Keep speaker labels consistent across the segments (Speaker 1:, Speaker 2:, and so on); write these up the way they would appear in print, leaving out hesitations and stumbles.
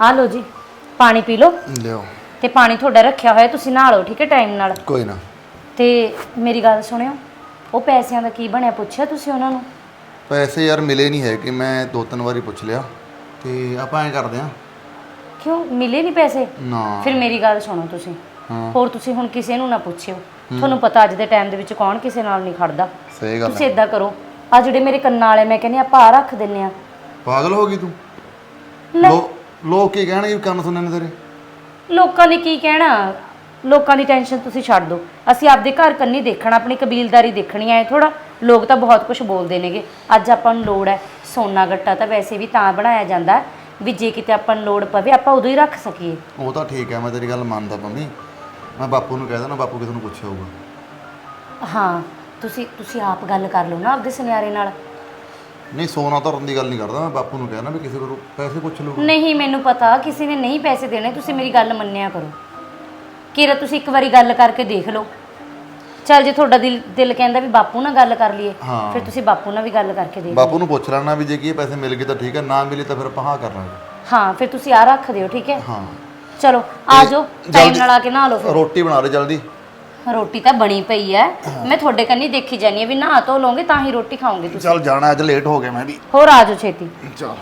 Speaker 1: ਆ ਲਓ ਜੀ ਪਾਣੀ ਪੀ ਲਓ
Speaker 2: ਲਿਓ
Speaker 1: ਤੇ ਪਾਣੀ ਤੁਹਾਡਾ ਰੱਖਿਆ ਹੋਇਆ ਤੁਸੀਂ ਨਹਾ ਲਓ ਠੀਕ ਹੈ ਟਾਈਮ ਨਾਲ।
Speaker 2: ਕੋਈ ਨਾ।
Speaker 1: ਤੇ ਮੇਰੀ ਗੱਲ ਸੁਣਿਓ, ਉਹ ਪੈਸਿਆਂ ਦਾ ਕੀ ਬਣਿਆ ਪੁੱਛਿਆ ਤੁਸੀਂ ਉਹਨਾਂ ਨੂੰ?
Speaker 2: ਪੈਸੇ ਯਾਰ ਮਿਲੇ ਨਹੀਂ ਹੈ ਕਿ ਮੈਂ 2-3 ਵਾਰੀ ਪੁੱਛ ਲਿਆ ਤੇ ਆਪਾਂ ਐਂ ਕਰਦੇ ਆ।
Speaker 1: ਕਿਉਂ ਮਿਲੇ ਨਹੀਂ ਪੈਸੇ?
Speaker 2: ਨਾ
Speaker 1: ਫਿਰ ਮੇਰੀ ਗੱਲ ਸੁਣੋ ਤੁਸੀਂ,
Speaker 2: ਹਾਂ
Speaker 1: ਹੋਰ ਤੁਸੀਂ ਹੁਣ ਕਿਸੇ ਨੂੰ ਨਾ ਪੁੱਛਿਓ। ਤੁਹਾਨੂੰ ਪਤਾ ਅੱਜ ਦੇ ਟਾਈਮ ਦੇ ਵਿੱਚ ਕੌਣ ਕਿਸੇ ਨਾਲ ਨਹੀਂ ਖੜਦਾ।
Speaker 2: ਸਹੀ ਗੱਲ
Speaker 1: ਤੁਸੀਂ
Speaker 2: ਹੈ।
Speaker 1: ਇਦਾਂ ਕਰੋ, ਆ ਜਿਹੜੇ ਮੇਰੇ ਕੰਨਾਂ ਵਾਲੇ ਮੈਂ ਕਹਿੰਦੀ ਆਪਾਂ ਆ ਰੱਖ ਦਿੰਨੇ ਆ।
Speaker 2: ਪਾਗਲ ਹੋ ਗਈ ਤੂੰ? ਲੋਕ ਕੀ ਕਹਿਣਗੇ ਕੰਨ ਸੁਣਨ ਨੇ ਤੇਰੇ?
Speaker 1: ਲੋਕਾਂ ਨੇ ਕੀ ਕਹਿਣਾ, ਲੋਕਾਂ ਦੀ ਟੈਨਸ਼ਨ ਤੁਸੀਂ ਛੱਡ ਦਿਓ। ਅਸੀਂ ਆਪਦੇ ਘਰ ਕੰਨੀ ਦੇਖਣਾ, ਆਪਣੀ ਕਬੀਲਦਾਰੀ ਦੇਖਣੀ ਐ ਥੋੜਾ। ਲੋਕ ਤਾਂ ਬਹੁਤ ਕੁਝ ਬੋਲਦੇ ਨੇਗੇ। ਅੱਜ ਆਪਾਂ ਨੂੰ ਲੋੜ ਹੈ ਸੋਨਾ ਗੱਟਾ ਤਾਂ ਵੈਸੇ ਵੀ ਤਾਂ ਬਣਾਇਆ ਜਾਂਦਾ ਵੀ ਜੇ ਕਿਤੇ ਆਪਾਂ ਨੂੰ ਲੋੜ ਪਵੇ ਆਪਾਂ ਉਦੋਂ ਹੀ ਰੱਖ ਸਕੀਏ।
Speaker 2: ਉਹ ਤਾਂ ਠੀਕ ਹੈ, ਮੈਂ ਤੇਰੀ ਗੱਲ ਮੰਨਦਾ ਮੰਮੀ। ਮੈਂ ਬਾਪੂ ਨੂੰ ਕਹਿ ਦੇਣਾ, ਬਾਪੂ ਕਿਸੇ ਨੂੰ ਪੁੱਛਿਆ ਹੋਊਗਾ।
Speaker 1: ਹਾਂ ਤੁਸੀਂ ਆਪ ਗੱਲ ਕਰ ਲਓ ਨਾ ਆਪਦੇ ਸੁਨਿਆਰੇ ਨਾਲ।
Speaker 2: ਨਹੀਂ ਸੋਨਾ ਧਰਨ ਦੀ ਗੱਲ ਨਹੀਂ ਕਰਦਾ, ਮੈਂ ਬਾਪੂ ਨੂੰ ਕਹਿਣਾ ਵੀ ਕਿਸੇ ਕੋਲੋਂ ਪੈਸੇ ਪੁੱਛ ਲਊਗਾ।
Speaker 1: ਨਹੀਂ ਮੈਨੂੰ ਪਤਾ ਕਿਸੇ ਨੇ ਨਹੀਂ ਪੈਸੇ ਦੇਣੇ, ਤੁਸੀਂ ਮੇਰੀ ਗੱਲ ਮੰਨਿਆ ਕਰੋ। ਕਿਰਾ ਤੁਸੀਂ ਇੱਕ ਵਾਰੀ ਗੱਲ ਕਰਕੇ ਦੇਖ ਲਓ। ਚੱਲ ਜੇ ਤੁਹਾਡਾ ਦਿਲ ਕਹਿੰਦਾ ਵੀ ਬਾਪੂ ਨਾਲ ਗੱਲ ਕਰ ਲਈਏ ਫਿਰ ਤੁਸੀਂ ਬਾਪੂ ਨਾਲ ਵੀ ਗੱਲ ਕਰਕੇ ਦੇਖ ਲਓ।
Speaker 2: ਬਾਪੂ ਨੂੰ ਪੁੱਛ ਲੈਣਾ ਵੀ ਜੇ ਕੀ ਪੈਸੇ ਮਿਲ ਗਏ ਤਾਂ ਠੀਕ ਹੈ, ਨਾ ਮਿਲੇ ਤਾਂ ਫਿਰ ਆਪਾਂ ਹਾਂ ਕਰ ਲਾਂਗੇ।
Speaker 1: ਹਾਂ ਫਿਰ ਤੁਸੀਂ ਆ ਰੱਖ ਦਿਓ ਠੀਕ ਹੈ।
Speaker 2: ਹਾਂ
Speaker 1: ਚਲੋ ਆ ਜਾਓ ਟਾਈਮ ਨਾਲ ਆ ਕੇ ਨਹਾ ਲਓ ਫਿਰ।
Speaker 2: ਰੋਟੀ ਬਣਾ ਦੇ ਜਲਦੀ।
Speaker 1: ਰੋਟੀ ਤਾਂ ਬਣੀ ਪਈ ਐ, ਮੈਂ ਤੁਹਾਡੇ ਕੰਨੀ ਦੇਖੀ ਜਾਨੀ ਆ ਵੀ ਨਹਾ ਧੋ ਲਓਗੇ ਤਾਂ ਹੀ ਰੋਟੀ ਖਾਓਗੇ ਤੁਸੀਂ।
Speaker 2: ਚੱਲ ਜਾਣਾ ਅੱਜ ਲੇਟ ਹੋ ਗਿਆ ਮੈਂ ਵੀ।
Speaker 1: ਹੋਰ ਆ ਜਾਓ ਛੇਤੀ।
Speaker 2: ਚੱਲ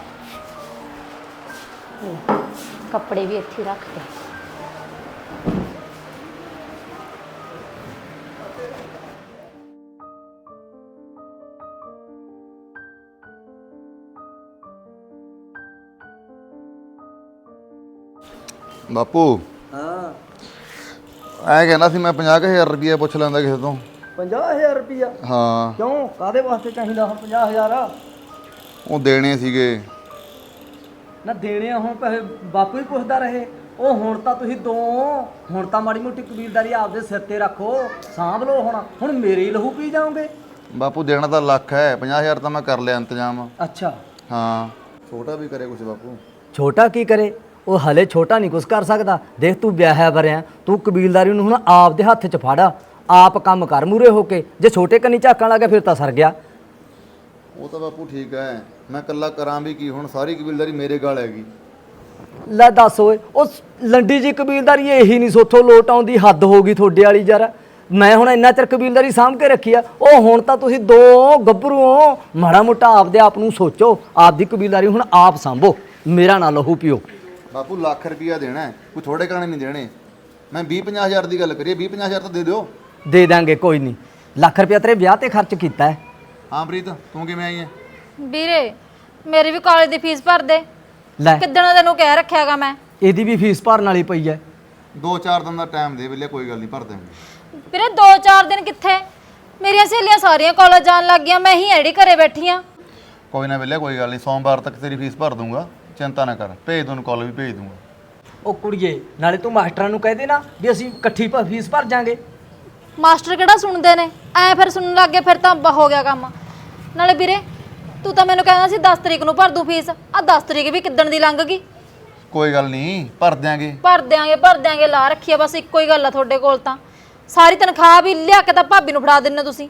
Speaker 1: ਕੱਪੜੇ ਵੀ ਇੱਥੇ ਰੱਖ ਦੇ।
Speaker 2: ਬਾਪੂ
Speaker 3: ਹਾਂ
Speaker 2: ਐ ਕਹਿੰਦਾ ਸੀ ਮੈਂ 50,000 ਰੁਪਏ ਪੁੱਛ ਲੈਂਦਾ ਕਿਸੇ ਤੋਂ।
Speaker 3: 50,000 ਰੁਪਇਆ?
Speaker 2: ਹਾਂ
Speaker 3: ਕਿਉਂ ਕਾਦੇ ਵਾਸਤੇ ਚਾਹੀਦਾ ਹੁਣ 50,000?
Speaker 2: ਉਹ ਦੇਣੇ ਸੀਗੇ।
Speaker 3: ਨਾ ਦੇਣੇ ਆ ਹੁਣ ਪੈਸੇ ਬਾਪੂ ਹੀ ਪੁੱਛਦਾ ਰਹੇ। ਉਹ ਹੁਣ ਤਾਂ ਤੁਸੀਂ ਦੋ, ਹੁਣ ਤਾਂ ਮਾੜੀ ਮੋਟੀ ਕਬੀਲਦਾਰੀ ਆਪਦੇ ਸਿਰ ਤੇ ਰੱਖੋ, ਸਾਂਭ ਲਓ। ਹੁਣ ਮੇਰੇ ਹੀ ਲਹੂ ਪੀ ਜਾਓਗੇ।
Speaker 2: ਬਾਪੂ ਦੇਣਾ ਤਾਂ ਲੱਖ ਹੈ, 50,000 ਤਾਂ ਮੈਂ ਕਰ ਲਿਆ ਇੰਤਜ਼ਾਮ।
Speaker 3: ਅੱਛਾ
Speaker 2: ਹਾਂ ਛੋਟਾ ਵੀ ਕਰੇ ਕੁਛ ਬਾਪੂ।
Speaker 3: ਛੋਟਾ ਕੀ ਕਰੇ? ਉਹ ਹਲੇ ਛੋਟਾ ਨਹੀਂ ਕੁਛ ਕਰ ਸਕਦਾ। ਦੇਖ ਤੂੰ ਵਿਆਹਿਆ ਵਰਿਆ, ਤੂੰ ਕਬੀਲਦਾਰੀ ਨੂੰ ਹੁਣ ਆਪ ਦੇ ਹੱਥ 'ਚ ਫੜ, ਆਪ ਕੰਮ ਕਰ ਮੂਰੇ ਹੋ ਕੇ। ਜੇ ਛੋਟੇ ਕੰਨੀ ਝਾਕਣ ਲੱਗਾ ਫਿਰ ਤਾਂ ਸਰ ਗਿਆ।
Speaker 2: ਉਹ ਤਾਂ ਬਾਪੂ ਠੀਕ ਹੈ, ਮੈਂ ਇਕੱਲਾ ਕਰਾਂ ਵੀ ਕੀ, ਹੁਣ ਸਾਰੀ ਕਬੀਲਦਾਰੀ ਮੇਰੇ ਗਾਲ ਹੈਗੀ।
Speaker 3: ਲੈ ਦੱਸ ਓਏ, ਉਹ ਲੰਡੀ ਜੀ ਕਬੀਲਦਾਰੀ ਇਹੀ ਨਹੀਂ ਸੋਥੋਂ ਲੋਟ ਆਉਂਦੀ, ਹੱਦ ਹੋ ਗਈ ਤੁਹਾਡੇ ਵਾਲੀ ਯਾਰ। ਮੈਂ ਹੁਣ ਇੰਨਾ ਚਿਰ ਕਬੀਲਦਾਰੀ ਸਾਂਭ ਕੇ ਰੱਖੀ ਆ, ਉਹ ਹੁਣ ਤਾਂ ਤੁਸੀਂ ਦੋ ਗੱਭਰੂ ਹੋ। ਮਾੜਾ ਮੋਟਾ ਆਪਦੇ ਆਪ ਨੂੰ ਸੋਚੋ, ਆਪਦੀ ਕਬੀਲਦਾਰੀ ਹੁਣ ਆਪ ਸਾਂਭੋ, ਮੇਰਾ ਨਾ ਲਹੂ ਪਿਓ।
Speaker 2: ਬਾਪੂ ਲੱਖ ਰੁਪਿਆ ਦੇਣਾ ਹੈ, ਕੋਈ ਥੋੜੇ ਕਾਣੇ ਨਹੀਂ ਦੇਣੇ। ਮੈਂ 20-50,000 ਦੀ ਗੱਲ ਕਰੀਏ, 20-50,000 ਤਾਂ ਦੇ ਦਿਓ।
Speaker 3: ਦੇ ਦਾਂਗੇ ਕੋਈ ਨਹੀਂ। ਲੱਖ ਰੁਪਇਆ ਤੇਰੇ ਵਿਆਹ ਤੇ ਖਰਚ ਕੀਤਾ ਹੈ।
Speaker 2: ਹਾਂ ਪ੍ਰੀਤ ਤੂੰ ਕਿਵੇਂ ਆਈ ਹੈ?
Speaker 4: ਵੀਰੇ ਮੇਰੀ ਵੀ ਕਾਲਜ ਦੀ ਫੀਸ ਭਰ ਦੇ।
Speaker 3: ਲੈ
Speaker 4: ਕਿੱਦਣ ਤੈਨੂੰ ਕਹਿ ਰੱਖਿਆਗਾ ਮੈਂ।
Speaker 3: ਇਹਦੀ ਵੀ ਫੀਸ ਭਰਨ ਵਾਲੀ ਪਈ ਹੈ।
Speaker 2: 2-4 ਦਿਨ ਦਾ ਟਾਈਮ ਦੇ ਵੇਲੇ, ਕੋਈ ਗੱਲ ਨਹੀਂ ਭਰ ਦੇਵਾਂਗੇ।
Speaker 4: ਵੀਰੇ 2-4 ਦਿਨ ਕਿੱਥੇ, ਮੇਰੀਆਂ ਸਹੇਲੀਆਂ ਸਾਰੀਆਂ ਕਾਲਜ ਜਾਣ ਲੱਗ ਗਈਆਂ, ਮੈਂ ਹੀ ਐੜੀ ਘਰੇ ਬੈਠੀ ਆ।
Speaker 2: ਕੋਈ ਨਾ ਵੇਲੇ ਕੋਈ ਗੱਲ ਨਹੀਂ, ਸੋਮਵਾਰ ਤੱਕ ਤੇਰੀ ਫੀਸ ਭਰ ਦੂੰਗਾ, ਚਿੰਤਾ ਨਾ ਕਰ। ਭੇਜ ਦੂੰ ਕਾਲਜ ਵੀ ਭੇਜ ਦੂੰਗਾ।
Speaker 3: ਉਹ ਕੁੜੀਏ ਨਾਲੇ ਤੂੰ ਮਾਸਟਰਾਂ ਨੂੰ ਕਹਿ ਦੇ ਨਾ ਵੀ ਅਸੀਂ ਇਕੱਠੀ ਫੀਸ ਭਰ ਜਾਾਂਗੇ।
Speaker 4: ਮਾਸਟਰ ਕਿਹੜਾ ਸੁਣਦੇ ਨੇ, ਐ ਫਿਰ ਸੁਣਨ ਲੱਗ ਗਏ ਫਿਰ ਤਾਂ ਹੋ ਗਿਆ ਕੰਮ। ਨਾਲੇ ਵੀਰੇ ਤੂੰ ਤਾਂ ਮੈਨੂੰ ਕਹਿੰਦਾ ਸੀ 10 ਤਰੀਕ ਨੂੰ ਭਰ ਦੂੰ ਫੀਸ, ਆ 10 ਤਰੀਕ ਵੀ ਕਿੱਦਣ ਦੀ ਲੰਘ ਗਈ।
Speaker 2: ਕੋਈ ਗੱਲ ਨਹੀਂ ਭਰ ਦਿਆਂਗੇ।
Speaker 4: ਭਰ ਦਿਆਂਗੇ ਲਾ ਰੱਖੀ ਆ ਬਸ ਇੱਕੋ ਹੀ ਗੱਲ ਆ ਤੁਹਾਡੇ ਕੋਲ ਤਾਂ। ਸਾਰੀ ਤਨਖਾਹ ਵੀ ਲਿਆ ਕੇ ਤਾਂ ਭਾਬੀ ਨੂੰ ਫੜਾ ਦਿੰਦੇ ਤੁਸੀਂ।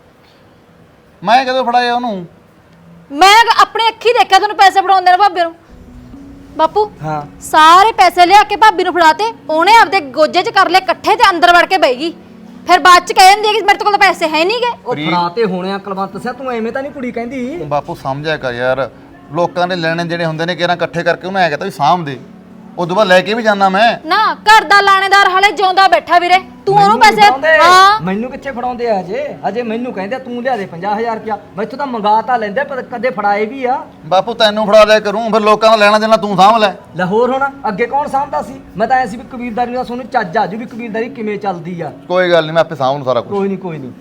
Speaker 2: ਮੈਂ ਕਦੋਂ ਫੜਾਇਆ ਉਹਨੂੰ?
Speaker 4: ਮੈਂ ਆਪਣੇ ਅੱਖੀ ਦੇਖਿਆ ਤੁਹਾਨੂੰ ਪੈਸੇ ਫੜਾਉਂਦੇ ਨੇ ਭਾਬੀ ਨੂੰ। ਬਾਪੂ
Speaker 3: ਹਾਂ
Speaker 4: ਸਾਰੇ ਪੈਸੇ ਲਿਆ ਕੇ ਭਾਬੀ ਨੂੰ ਫੜਾਤੇ, ਉਹਨੇ ਆਪਦੇ ਗੋਜੇ 'ਚ ਕਰ ਲਏ ਇਕੱਠੇ ਤੇ ਅੰਦਰ ਵੜ ਕੇ ਬਹਿ ਗਈ। ਫਿਰ ਬਾਅਦ 'ਚ ਕਹਿ ਦਿੰਦੀ ਹੈ ਕਿ ਮੇਰੇ ਕੋਲ ਤਾਂ ਪੈਸੇ ਹੈ ਨਹੀਂਗੇ।
Speaker 3: ਉਹ ਫੜਾ ਤੇ ਹੋਣੇ ਆ ਕੁਲਵੰਤ ਸਿਆ, ਤੂੰ ਐਵੇਂ ਤਾਂ ਨਹੀਂ ਕੁੜੀ ਕਹਿੰਦੀ।
Speaker 2: ਬਾਪੂ ਸਮਝਿਆ ਕਰ ਯਾਰ, ਲੋਕਾਂ ਦੇ ਲੈਣੇ ਜਿਹੜੇ ਹੁੰਦੇ ਨੇ ਕਿਹੜਾ ਇਕੱਠੇ ਕਰਕੇ ਉਹਨੂੰ ਐ ਕਹਤਾ ਵੀ ਸਾਂਭ ਦੇ, ਉਦੋਂ ਬਾਅਦ ਲੈ ਕੇ ਵੀ ਜਾਣਾ ਮੈਂ
Speaker 4: ਨਾ। ਘਰ ਦਾ ਲਾਣੇਦਾਰ ਹਾਲੇ ਜਿਉਂਦਾ ਬੈਠਾ ਵੀਰੇ, ਤੂੰ ਉਹਨੂੰ ਪੈਸੇ ਹਾਂ
Speaker 3: ਮੈਨੂੰ ਕਿੱਥੇ ਫੜਾਉਂਦੇ ਆ ਅਜੇ ਮੈਨੂੰ ਕਹਿੰਦੇ ਤੂੰ ਲਿਆ ਦੇ 50,000 ਰੁਪਇਆ। ਮੈਥੋਂ ਤਾਂ ਮੰਗਾ ਤਾਂ ਲੈਂਦੇ ਪਰ ਕਦੇ ਫੜਾਏ ਵੀ ਆ।
Speaker 2: ਬਾਪੂ ਤੈਨੂੰ ਫੜਾ ਲਿਆ ਕਰੂੰ, ਫਿਰ ਲੋਕਾਂ ਦਾ ਲੈਣਾ ਦੇਣਾ ਤੂੰ ਸਾਂਭ ਲੈ।
Speaker 3: ਲਾਹੌਰ ਹੋਣਾ ਅੱਗੇ ਕੌਣ ਸਾਂਭਦਾ ਸੀ? ਮੈਂ ਤਾਂ ਐ ਸੀ ਵੀ ਕਬੀਲਦਾਰੀ ਦਾ ਤੁਹਾਨੂੰ ਚੱਜ ਆਜੂ ਵੀ ਕਬੀਲਦਾਰੀ ਕਿਵੇਂ ਚੱਲਦੀ ਆ।
Speaker 2: ਕੋਈ ਗੱਲ ਨਹੀਂ, ਮੈਂ ਆਪੇ ਸਾਂਭ ਨੂੰ ਸਾਰਾ ਕੁਝ।
Speaker 3: ਕੋਈ ਨਹੀਂ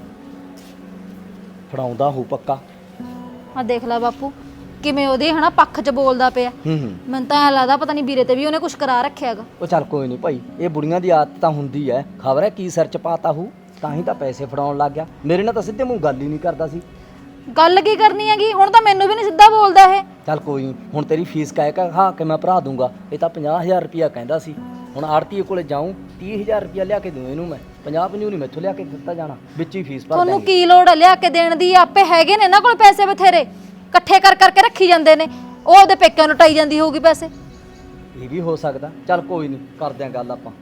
Speaker 3: ਫੜਾਉਂਦਾ ਹੋ ਪੱਕਾ।
Speaker 4: ਆ ਦੇਖ ਲੈ ਬਾਪੂ ਕਿਵੇਂ ਉਹਦੇ ਹਨਾ ਪੱਖ 'ਚ ਬੋਲਦਾ ਪਿਆ। ਮੈਨੂੰ ਤਾਂ ਐਂ ਲੱਗਦਾ ਪਤਾ ਨਹੀਂ ਵੀਰੇ ਤੇ ਵੀ ਉਹਨੇ ਕੁਝ ਕਰਾ ਰੱਖਿਆਗਾ।
Speaker 3: ਉਹ ਚੱਲ ਕੋਈ ਨਹੀਂ ਭਾਈ, ਇਹ ਬੁੜੀਆਂ ਦੀ ਆਦਤ ਤਾਂ ਹੁੰਦੀ ਐ। ਖਬਰ ਹੈ ਕੀ ਸਿਰ 'ਚ ਪਾਤਾ ਹੂ, ਤਾਂ ਹੀ ਤਾਂ ਪੈਸੇ ਫੜਾਉਣ ਲੱਗ ਗਿਆ। ਮੇਰੇ ਨਾਲ ਤਾਂ ਸਿੱਧੇ ਮੂੰਹ ਗੱਲ ਹੀ ਨਹੀਂ ਕਰਦਾ ਸੀ।
Speaker 4: ਗੱਲ ਕੀ ਕਰਨੀ ਹੈਗੀ, ਹੁਣ ਤਾਂ ਮੈਨੂੰ ਵੀ ਨਹੀਂ ਸਿੱਧਾ ਬੋਲਦਾ ਇਹ।
Speaker 3: ਚੱਲ ਕੋਈ ਨਹੀਂ, ਹੁਣ ਤੇਰੀ ਫੀਸ ਕਹਿ ਕੇ ਹਾਂ ਕਿ ਮੈਂ ਭਰਾ ਦੂੰਗਾ। ਇਹ ਤਾਂ 50,000 ਰੁਪਇਆ ਕਹਿੰਦਾ ਸੀ। ਹੁਣ ਆੜਤੀਏ ਕੋਲੇ ਜਾਊਂ, 30,000 ਰੁਪਇਆ ਲਿਆ ਕੇ ਦੂੰ ਇਹਨੂੰ ਮੈਂ। 50 ਨਹੀਂ ਮੈਥੋਂ ਲਿਆ ਕੇ ਦਿੱਤਾ ਜਾਣਾ, ਵਿੱਚ ਹੀ ਫੀਸ ਭਰ ਦਾਂਗੇ।
Speaker 4: ਤੁਹਾਨੂੰ ਕੀ ਲੋੜ ਹੈ ਲਿਆ ਕੇ ਦੇਣ ਦੀ? ਆਪੇ ਹੈਗੇ ਨੇ ਇਹਨਾਂ ਕੋਲ ਪੈਸੇ ਬਥੇਰੇ, ਇਕੱਠੇ ਕਰਕੇ ਰੱਖੀ ਜਾਂਦੇ ਨੇ। ਉਹ ਉਹਦੇ ਪੇਕਿਆਂ ਨੂੰ ਟਾਈ ਜਾਂਦੀ ਹੋਊਗੀ ਪੈਸੇ।
Speaker 3: ਇਹ ਵੀ ਹੋ ਸਕਦਾ। ਚੱਲ ਕੋਈ ਨਹੀਂ, ਕਰਦੇ ਆਂ ਗੱਲ ਆਪਾਂ।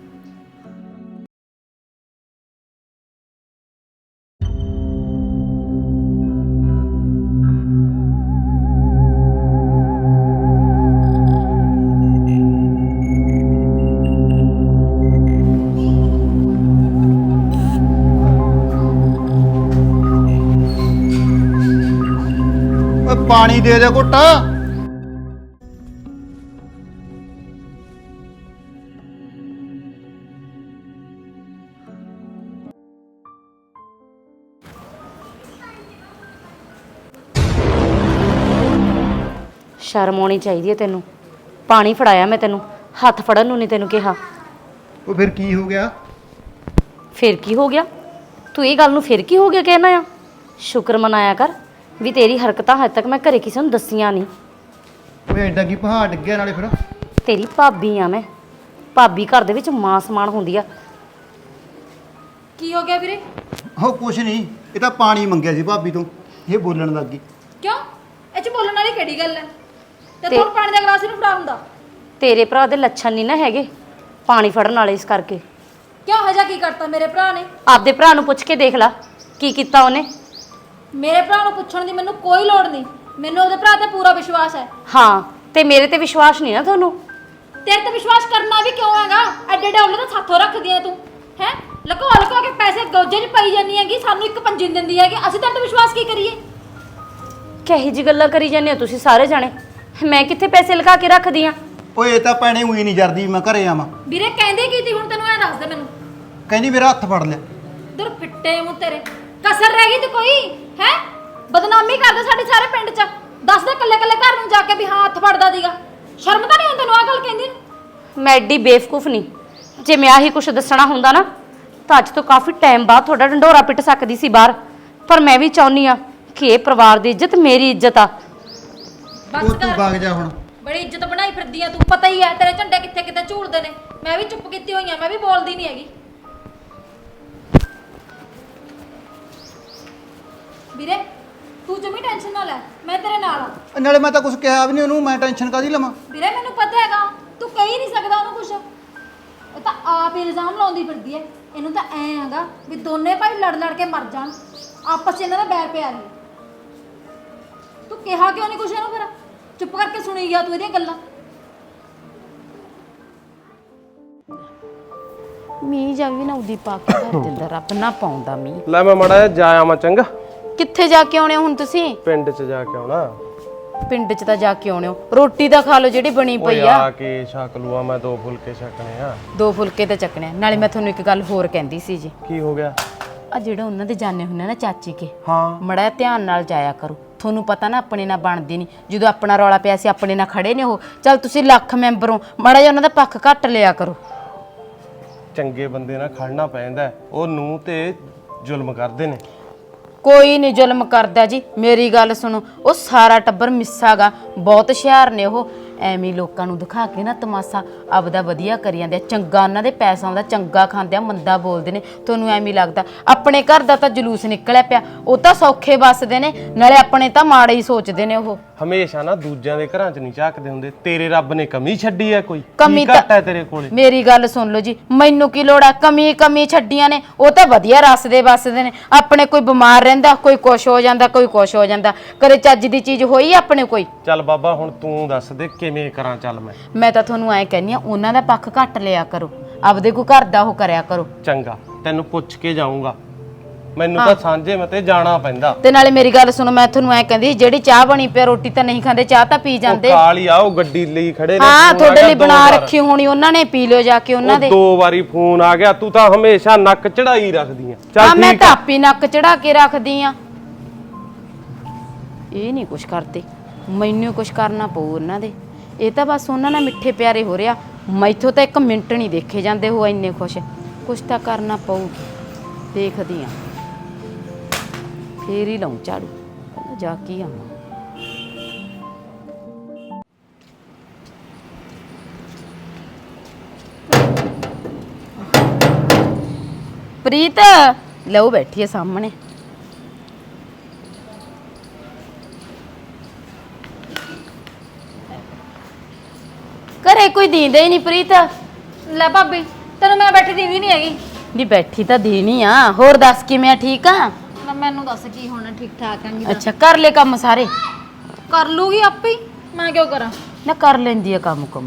Speaker 2: ਓਏ ਪਾਣੀ ਦੇ ਦੇ ਘੁੱਟ।
Speaker 1: ਸ਼ਰਮ ਆਉਣੀ ਚਾਹੀਦੀ ਹੈ ਤੈਨੂੰ। ਪਾਣੀ ਫੜਾਇਆ ਮੈਂ ਤੈਨੂੰ, ਹੱਥ ਫੜਨ ਨੂੰ ਨਹੀਂ ਤੈਨੂੰ ਕਿਹਾ।
Speaker 2: ਉਹ ਫਿਰ ਕੀ ਹੋ ਗਿਆ?
Speaker 1: ਫਿਰ ਕੀ ਹੋ ਗਿਆ? ਤੂੰ ਇਹ ਗੱਲ ਨੂੰ ਫਿਰ ਕੀ ਹੋ ਗਿਆ ਕਹਿਣਾ ਆ? ਸ਼ੁਕਰ ਮਨਾਇਆ ਕਰ ਵੀ ਤੇਰੀ ਹਰਕਤਾਂ ਹਜੇ ਤੱਕ ਮੈਂ ਘਰੇ ਕਿਸੇ ਨੂੰ ਦੱਸੀਆਂ ਨਹੀਂ।
Speaker 2: ਓਏ ਐਡਾ ਕੀ ਪਹਾੜ ਡਿੱਗਿਆ ਨਾਲੇ ਫਿਰ?
Speaker 1: ਤੇਰੀ ਭਾਬੀ ਆ ਮੈਂ। ਭਾਬੀ ਘਰ ਦੇ ਵਿੱਚ ਮਾਂ ਸਮਾਨ ਹੁੰਦੀ ਆ।
Speaker 4: ਕੀ ਹੋ ਗਿਆ ਵੀਰੇ?
Speaker 5: ਹੋ ਕੁਛ ਨਹੀਂ, ਇਹ ਤਾਂ ਪਾਣੀ ਮੰਗਿਆ ਸੀ ਭਾਬੀ ਤੋਂ, ਇਹ ਬੋਲਣ ਲੱਗ ਗਈ।
Speaker 4: ਕਿਉਂ? ਇਹ ਚ ਬੋਲਣ ਵਾਲੀ ਕਿਹੜੀ ਗੱਲ ਹੈ? ਤੇ
Speaker 1: ਤੇ-
Speaker 4: ਤੁਹਾਨੂੰ ਪਾਣੀ ਦਾ ਗਲਾਸ ਇਹਨੂੰ ਫੜਾ ਹੁੰਦਾ।
Speaker 1: ਤੇਰੇ ਭਰਾ ਦੇ ਲੱਛਣ ਨਹੀਂ ਨਾ ਹੈਗੇ ਪਾਣੀ ਫੜਨ ਵਾਲੇ, ਇਸ ਕਰਕੇ।
Speaker 4: ਕਿਉਂ ਹਜਾ ਕੀ ਕਰਤਾ ਮੇਰੇ ਭਰਾ ਨੇ?
Speaker 1: ਆਪਦੇ ਭਰਾ ਨੂੰ ਪੁੱਛ ਕੇ ਦੇਖ ਲੈ ਕੀ ਕੀਤਾ ਉਹਨੇ।
Speaker 4: ਮੇਰੇ ਭਰਾ ਨੂੰ ਪੁੱਛਣ ਦੀ ਮੈਨੂੰ ਕੋਈ ਲੋੜ ਨਹੀਂ। ਮੈਨੂੰ ਉਹਦੇ ਭਰਾ ਤੇ ਪੂਰਾ ਵਿਸ਼ਵਾਸ ਹੈ।
Speaker 1: ਹਾਂ, ਤੇ ਮੇਰੇ ਤੇ ਵਿਸ਼ਵਾਸ ਨਹੀਂ ਨਾ ਤੁਹਾਨੂੰ।
Speaker 4: ਤੇਰੇ ਤੇ ਵਿਸ਼ਵਾਸ ਕਰਨਾ ਵੀ ਕਿਉਂ ਹੈਗਾ? ਐਡੇ ਐਡੇ ਉਹਲੇ ਤਾਂ ਸਾਥੋਂ ਰੱਖਦੀ ਐ ਤੂੰ, ਹੈ? ਲਕੋ ਲਕੋ ਕੇ ਪੈਸੇ ਗੋਜੇ 'ਚ ਪਈ ਜਾਂਦੀ ਹੈਗੀ, ਸਾਨੂੰ ਇੱਕ ਪੰਜੀ ਨੀ ਦਿੰਦੀ ਹੈਗੀ। ਅਸੀਂ ਤੇਰੇ ਤੇ ਵਿਸ਼ਵਾਸ ਕੀ ਕਰੀਏ?
Speaker 1: ਕਹੀ ਜੀ ਗੱਲਾਂ ਕਰੀ ਜਾਂਦੇ ਹੋ ਤੁਸੀਂ ਸਾਰੇ ਜਾਣੇ। ਮੈਂ ਕਿੱਥੇ ਪੈਸੇ ਲਗਾ ਕੇ ਰੱਖਦੀ ਆ?
Speaker 5: ਓਏ ਇਹ ਤਾਂ ਭੈਣੇ ਉਹੀ ਨਹੀਂ ਜਰਦੀ ਮੈਂ ਘਰੇ ਆਵਾਂ।
Speaker 4: ਵੀਰੇ ਕਹਿੰਦੇ ਕੀ ਤੀ ਹੁਣ? ਤੈਨੂੰ ਐ ਦੱਸ ਦੇ ਮੈਨੂੰ।
Speaker 5: ਕਹਿੰਦੀ ਮੇਰਾ ਹੱਥ ਫੜ ਲਿਆ।
Speaker 4: ਦਰ ਫਿੱਟੇ ਮੂੰਹ ਤੇਰੇ, ਕਸਰ ਰਹਿ ਗਈ ਤੇ ਕੋਈ ਹੈ? ਬਦਨਾਮੀ ਕਰਦੇ ਸਾਡੇ ਸਾਰੇ ਪਿੰਡ 'ਚ। ਦੱਸ ਦੇ ਕੱਲੇ ਕੱਲੇ ਘਰ ਨੂੰ ਜਾ ਕੇ ਵੀ ਹਾਂ ਹੱਥ ਫੜਦਾ ਦੀਗਾ। ਸ਼ਰਮ ਤਾਂ ਨਹੀਂ ਆਉਂਦੀ ਤੈਨੂੰ ਆ ਗੱਲ ਕਹਿੰਦੀ ਨੂੰ?
Speaker 1: ਮੈਂ ਐਡੀ ਬੇਵਕੂਫ ਨਹੀਂ। ਜੇ ਮੈਂ ਆਹੀ ਕੁਛ ਦੱਸਣਾ ਹੁੰਦਾ ਨਾ ਤਾਂ ਅੱਜ ਤੋਂ ਕਾਫੀ ਟਾਈਮ ਬਾਅਦ ਤੁਹਾਡਾ ਢੰਡੋਰਾ ਪਿੱਟ ਸਕਦੀ ਸੀ ਬਾਹਰ। ਪਰ ਮੈਂ ਵੀ ਚਾਹੁੰਦੀ ਆ ਕਿ ਇਹ ਪਰਿਵਾਰ ਦੀ ਇੱਜ਼ਤ ਮੇਰੀ ਇੱਜ਼ਤ ਆ।
Speaker 4: ਬਸ
Speaker 5: ਉਹ ਤੂੰ
Speaker 4: ਕਰ।
Speaker 5: ਵਗ ਜਾ ਹੁਣ।
Speaker 4: ਬੜੀ ਇੱਜ਼ਤ ਬਣਾਈ ਫਿਰਦੀ ਆ ਤੂੰ। ਪਤਾ ਹੀ ਐ ਤੇਰੇ ਝੰਡੇ ਕਿੱਥੇ ਕਿੱਥੇ ਝੂਲਦੇ ਨੇ। ਮੈਂ ਵੀ ਚੁੱਪ ਕੀਤੀ ਹੋਈ ਆ, ਮੈਂ ਵੀ ਬੋਲਦੀ ਨਹੀਂ ਹੈਗੀ। ਵੀਰੇ ਤੂੰ ਜਮੀ ਟੈਨਸ਼ਨ ਨਾ ਲੈ, ਮੈਂ ਤੇਰੇ ਨਾਲ ਆ।
Speaker 5: ਨਾਲੇ ਮੈਂ ਤਾਂ ਕੁਝ ਕਿਹਾ ਵੀ ਨਹੀਂ ਉਹਨੂੰ, ਮੈਂ ਟੈਨਸ਼ਨ ਕਾਹਦੀ ਲਵਾਂ?
Speaker 4: ਵੀਰੇ ਮੈਨੂੰ ਪਤਾ ਹੈਗਾ ਤੂੰ ਕਹਿ ਨਹੀਂ ਸਕਦਾ ਉਹਨੂੰ ਕੁਛ। ਉਹ ਤਾਂ ਆਪ ਹੀ ਇਲਜ਼ਾਮ ਲਾਉਂਦੀ ਫਿਰਦੀ ਐ। ਇਹਨੂੰ ਤਾਂ ਐ ਹੈਗਾ ਵੀ ਦੋਨੇ ਭਾਈ ਲੜ ਲੜ ਕੇ ਮਰ ਜਾਣ, ਆਪਸ 'ਚ ਇਹਨਾਂ ਦਾ ਬੈਰ ਪਿਆ ਰਹੇ। ਤੂੰ ਕਿਹਾ ਕਿਉਂ ਨਹੀਂ ਕੁਛ ਇਹਨੂੰ? ਫਿਰ ਚੁੱਪ ਕਰਕੇ ਸੁਣੀ ਗਿਆ ਤੂੰ ਇਹਦੀਆਂ ਗੱਲਾਂ।
Speaker 1: ਮੀਂਹ ਜਾ ਵੀ ਨਾ ਉਦੀ ਪਾ ਕੇ ਘਰ ਦੇ ਅੰਦਰ ਰੱਬ ਨਾ ਪਾਉਂਦਾ ਮੀਂਹ।
Speaker 6: ਲੈ ਮੈਂ ਮੜਾ ਜਾ ਆਵਾਂ ਚੰਗਾ।
Speaker 1: ਕਿੱਥੇ ਜਾ ਕੇ ਆਉਣੇ ਹੋ ਹੁਣ ਤੁਸੀਂ?
Speaker 6: ਪਿੰਡ 'ਚ ਜਾ ਕੇ ਆਉਣਾ।
Speaker 1: ਪਿੰਡ 'ਚ ਤਾਂ ਜਾ ਕੇ ਆਉਣੇ ਹੋ, ਰੋਟੀ ਤਾਂ ਖਾ ਲਓ ਜਿਹੜੀ ਬਣੀ
Speaker 6: ਓਏ
Speaker 1: ਪਈ
Speaker 6: ਆ
Speaker 1: ਆ।
Speaker 6: ਕੇ ਛਕ ਲੂਆ, ਮੈਂ 2 ਫੁਲਕੇ ਛਕਣੇ ਆ।
Speaker 1: 2 ਫੁਲਕੇ ਤੇ ਚੱਕਣੇ ਆ। ਨਾਲੇ ਮੈਂ ਤੁਹਾਨੂੰ ਇੱਕ ਗੱਲ ਹੋਰ ਕਹਿੰਦੀ ਸੀ ਜੀ।
Speaker 6: ਕੀ ਹੋ ਗਿਆ?
Speaker 1: ਆ ਜਿਹੜਾ ਉਹਨਾਂ ਦੇ ਜਾਣੇ ਹੁੰਦੇ ਨਾ ਚਾਚੀ ਕੇ,
Speaker 6: ਹਾਂ
Speaker 1: ਮੜਾ ਧਿਆਨ ਨਾਲ ਜਾਇਆ ਕਰੋ। ਤੁਹਾਨੂੰ ਪਤਾ ਨਾ ਆਪਣੇ ਨਾਲ ਬਣਦੀ ਨਹੀਂ। ਜਦੋਂ ਆਪਣਾ ਰੌਲਾ ਪਿਆ ਸੀ ਆਪਣੇ ਨਾਲ ਖੜੇ ਨੇ ਉਹ। ਚੱਲ ਤੁਸੀਂ ਲੱਖ ਮੈਂਬਰ ਹੋ, ਮੜਾ ਜਿਹਾ ਉਹਨਾਂ ਦਾ ਪੱਖ ਘੱਟ ਲਿਆ ਕਰੋ।
Speaker 6: ਚੰਗੇ ਬੰਦੇ ਨਾਲ ਖੜਨਾ ਪੈਂਦਾ। ਉਹ ਨੂੰ ਤੇ ਜ਼ੁਲਮ ਕਰਦੇ ਨੇ।
Speaker 1: ਕੋਈ ਨਹੀਂ ਜ਼ੁਲਮ ਕਰਦਾ ਜੀ, ਮੇਰੀ ਗੱਲ ਸੁਣੋ। ਉਹ ਸਾਰਾ ਟੱਬਰ ਮਿੱਸਾਗਾ, ਬਹੁਤ ਹੁਸ਼ਿਆਰ ਨੇ ਉਹ। ਐਵੇਂ ਲੋਕਾਂ ਨੂੰ ਦਿਖਾ ਕੇ ਨਾ ਤਮਾਸ਼ਾ ਆਪਦਾ ਵਧੀਆ ਕਰੀ ਜਾਂਦੇ ਆ। ਚੰਗਾ ਉਹਨਾਂ ਦੇ ਪੈਸਾ ਆਉਂਦਾ, ਚੰਗਾ ਖਾਂਦੇ ਆ, ਮੰਦਾ ਬੋਲਦੇ ਨੇ। ਤੁਹਾਨੂੰ ਐਵੇਂ ਲੱਗਦਾ ਆਪਣੇ ਘਰ ਦਾ ਤਾਂ ਜਲੂਸ ਨਿਕਲਿਆ ਪਿਆ। ਉਹ ਤਾਂ ਸੌਖੇ ਵੱਸਦੇ ਨੇ, ਨਾਲੇ ਆਪਣੇ ਤਾਂ ਮਾੜੇ ਹੀ ਸੋਚਦੇ ਨੇ ਉਹ।
Speaker 6: ਹਮੇਸ਼ਾ ਨਾ ਦੂਜਿਆਂ ਦੇ ਘਰਾਂ 'ਚ ਨਹੀਂ ਝਾਕਦੇ ਹੁੰਦੇ। ਤੇਰੇ ਰੱਬ ਨੇ ਕਮੀ ਛੱਡੀ ਹੈ ਕੋਈ?
Speaker 1: ਕਮੀ
Speaker 6: ਕੀ ਘੱਟ ਹੈ ਤੇਰੇ ਕੋਲੇ?
Speaker 1: ਮੇਰੀ ਗੱਲ ਸੁਣ ਲਓ ਜੀ, ਮੈਨੂੰ ਕੀ ਲੋੜ ਆ? ਕਮੀ ਛੱਡੀਆਂ ਨੇ ਉਹ ਤਾਂ ਵਧੀਆ ਰਸਦੇ ਵੱਸਦੇ ਨੇ। ਆਪਣੇ ਕੋਈ ਬਿਮਾਰ ਰਹਿੰਦਾ, ਕੋਈ ਕੁਛ ਹੋ ਜਾਂਦਾ, ਕੋਈ ਕੁਛ ਹੋ ਜਾਂਦਾ। ਕਦੇ ਚੱਜ ਦੀ ਚੀਜ਼ ਹੋਈ ਆਪਣੇ ਕੋਈ?
Speaker 6: ਚੱਲ ਬਾਬਾ ਹੁਣ ਤੂੰ ਦੱਸ ਦੇ ਕਿਵੇਂ ਕਰਾਂ? ਚੱਲ
Speaker 1: ਮੈਂ ਤਾਂ ਤੁਹਾਨੂੰ ਐਂ ਕਹਿੰਦੀ ਆ, ਉਹਨਾਂ ਦਾ ਪੱਖ ਘੱਟ ਲਿਆ ਕਰੋ, ਆਪਦੇ ਕੋਈ ਘਰ ਦਾ ਉਹ ਕਰਿਆ ਕਰੋ।
Speaker 6: ਚੰਗਾ ਤੈਨੂੰ ਪੁੱਛ ਕੇ ਜਾਊਂਗਾ। ਮੈਨੂੰ ਤਾਂ ਸਾਂਝੇ ਮਤੇ ਜਾਣਾ ਪੈਂਦਾ।
Speaker 1: ਤੇ ਨਾਲੇ ਮੇਰੀ ਗੱਲ ਸੁਣੋ, ਮੈਂ ਤੁਹਾਨੂੰ ਐਂ ਕਹਿੰਦੀ ਜਿਹੜੀ ਚਾਹ ਬਣੀ ਪਿਆ, ਰੋਟੀ ਤਾਂ ਨਹੀਂ ਖਾਂਦੇ, ਚਾਹ ਤਾਂ ਪੀ ਜਾਂਦੇ।
Speaker 6: ਉਹ ਕਾਲੀ ਆ, ਉਹ ਗੱਡੀ ਲਈ ਖੜੇ ਨੇ।
Speaker 1: ਹਾਂ,
Speaker 6: ਫੋਨ ਆ
Speaker 1: ਤੁਹਾਡੇ
Speaker 6: ਗਿਆ
Speaker 1: ਲਈ
Speaker 6: 2
Speaker 1: ਬਣਾ
Speaker 6: ਵਾਰ।
Speaker 1: ਰੱਖੀ ਹੋਣੀ ਉਹਨਾਂ ਨੇ, ਪੀ ਲਿਓ ਜਾ ਕੇ ਉਹਨਾਂ ਦੇ।
Speaker 6: 2 ਵਾਰੀ ਫੋਨ ਆ ਗਿਆ। ਤੂੰ ਤਾਂ ਹਮੇਸ਼ਾ ਨੱਕ ਚੜਾਈ ਰੱਖਦੀ ਆ।
Speaker 1: ਹਾਂ,
Speaker 6: ਚੱਲ
Speaker 1: ਮੈਂ
Speaker 6: ਠੀਕ
Speaker 1: ਤਾਂ
Speaker 6: ਆ।
Speaker 1: ਆਪੀ ਨੱਕ ਚੜਾ ਕੇ ਰੱਖਦੀ ਆ। ਇਹ ਨਹੀਂ ਕੁਛ ਕਰਦੇ, ਮੈਨੂੰ ਕੁਛ ਕਰਨਾ ਪਊ ਉਹਨਾਂ ਦੇ। ਇਹ ਤਾਂ ਬਸ ਉਹਨਾਂ ਨਾਲ ਮਿੱਠੇ ਪਿਆਰੇ ਹੋ ਰਿਹਾ। ਮੈਥੋਂ ਤਾਂ 1 ਮਿੰਟ ਨਹੀਂ ਦੇਖੇ ਜਾਂਦੇ ਉਹ ਇੰਨੇ ਖੁਸ਼। ਕੁਛ ਤਾਂ ਕਰਨਾ ਪਊ, ਦੇਖਦੀ ਆ। ਫੇਰ ਹੀ ਲਾਉਂ ਝਾੜੂ, ਪਹਿਲਾਂ ਜਾ ਕੇ ਆਵਾਂ। ਪ੍ਰੀਤ ਲਓ ਬੈਠੀ ਹੈ ਸਾਹਮਣੇ। ਘਰੇ ਕੋਈ ਦੀਂਦਾ ਹੀ ਨਹੀਂ ਪ੍ਰੀਤ।
Speaker 4: ਲੈ ਭਾਬੀ ਤੈਨੂੰ ਮੈਂ ਬੈਠੀ ਦੀਦੀ ਨਹੀਂ ਹੈਗੀ।
Speaker 1: ਨਹੀਂ ਬੈਠੀ ਤਾਂ ਦੇਣੀ ਆ। ਹੋਰ ਦੱਸ ਕਿਵੇਂ ਆ, ਠੀਕ ਆ?
Speaker 4: ਲੈ ਮੈਨੂੰ ਦੱਸ ਕੀ ਹੋਣਾ, ਠੀਕ ਠਾਕ ਆਂਗੀ।
Speaker 1: ਅੱਛਾ ਕਰ ਲੈ ਕੰਮ ਸਾਰੇ।
Speaker 4: ਕਰ ਲੂਗੀ ਆਪੇ ਹੀ, ਮੈਂ ਕਿਉਂ ਕਰਾਂ?
Speaker 1: ਨਾ ਕਰ ਲੈਂਦੀ ਆ ਕੰਮ ਕੰਮ।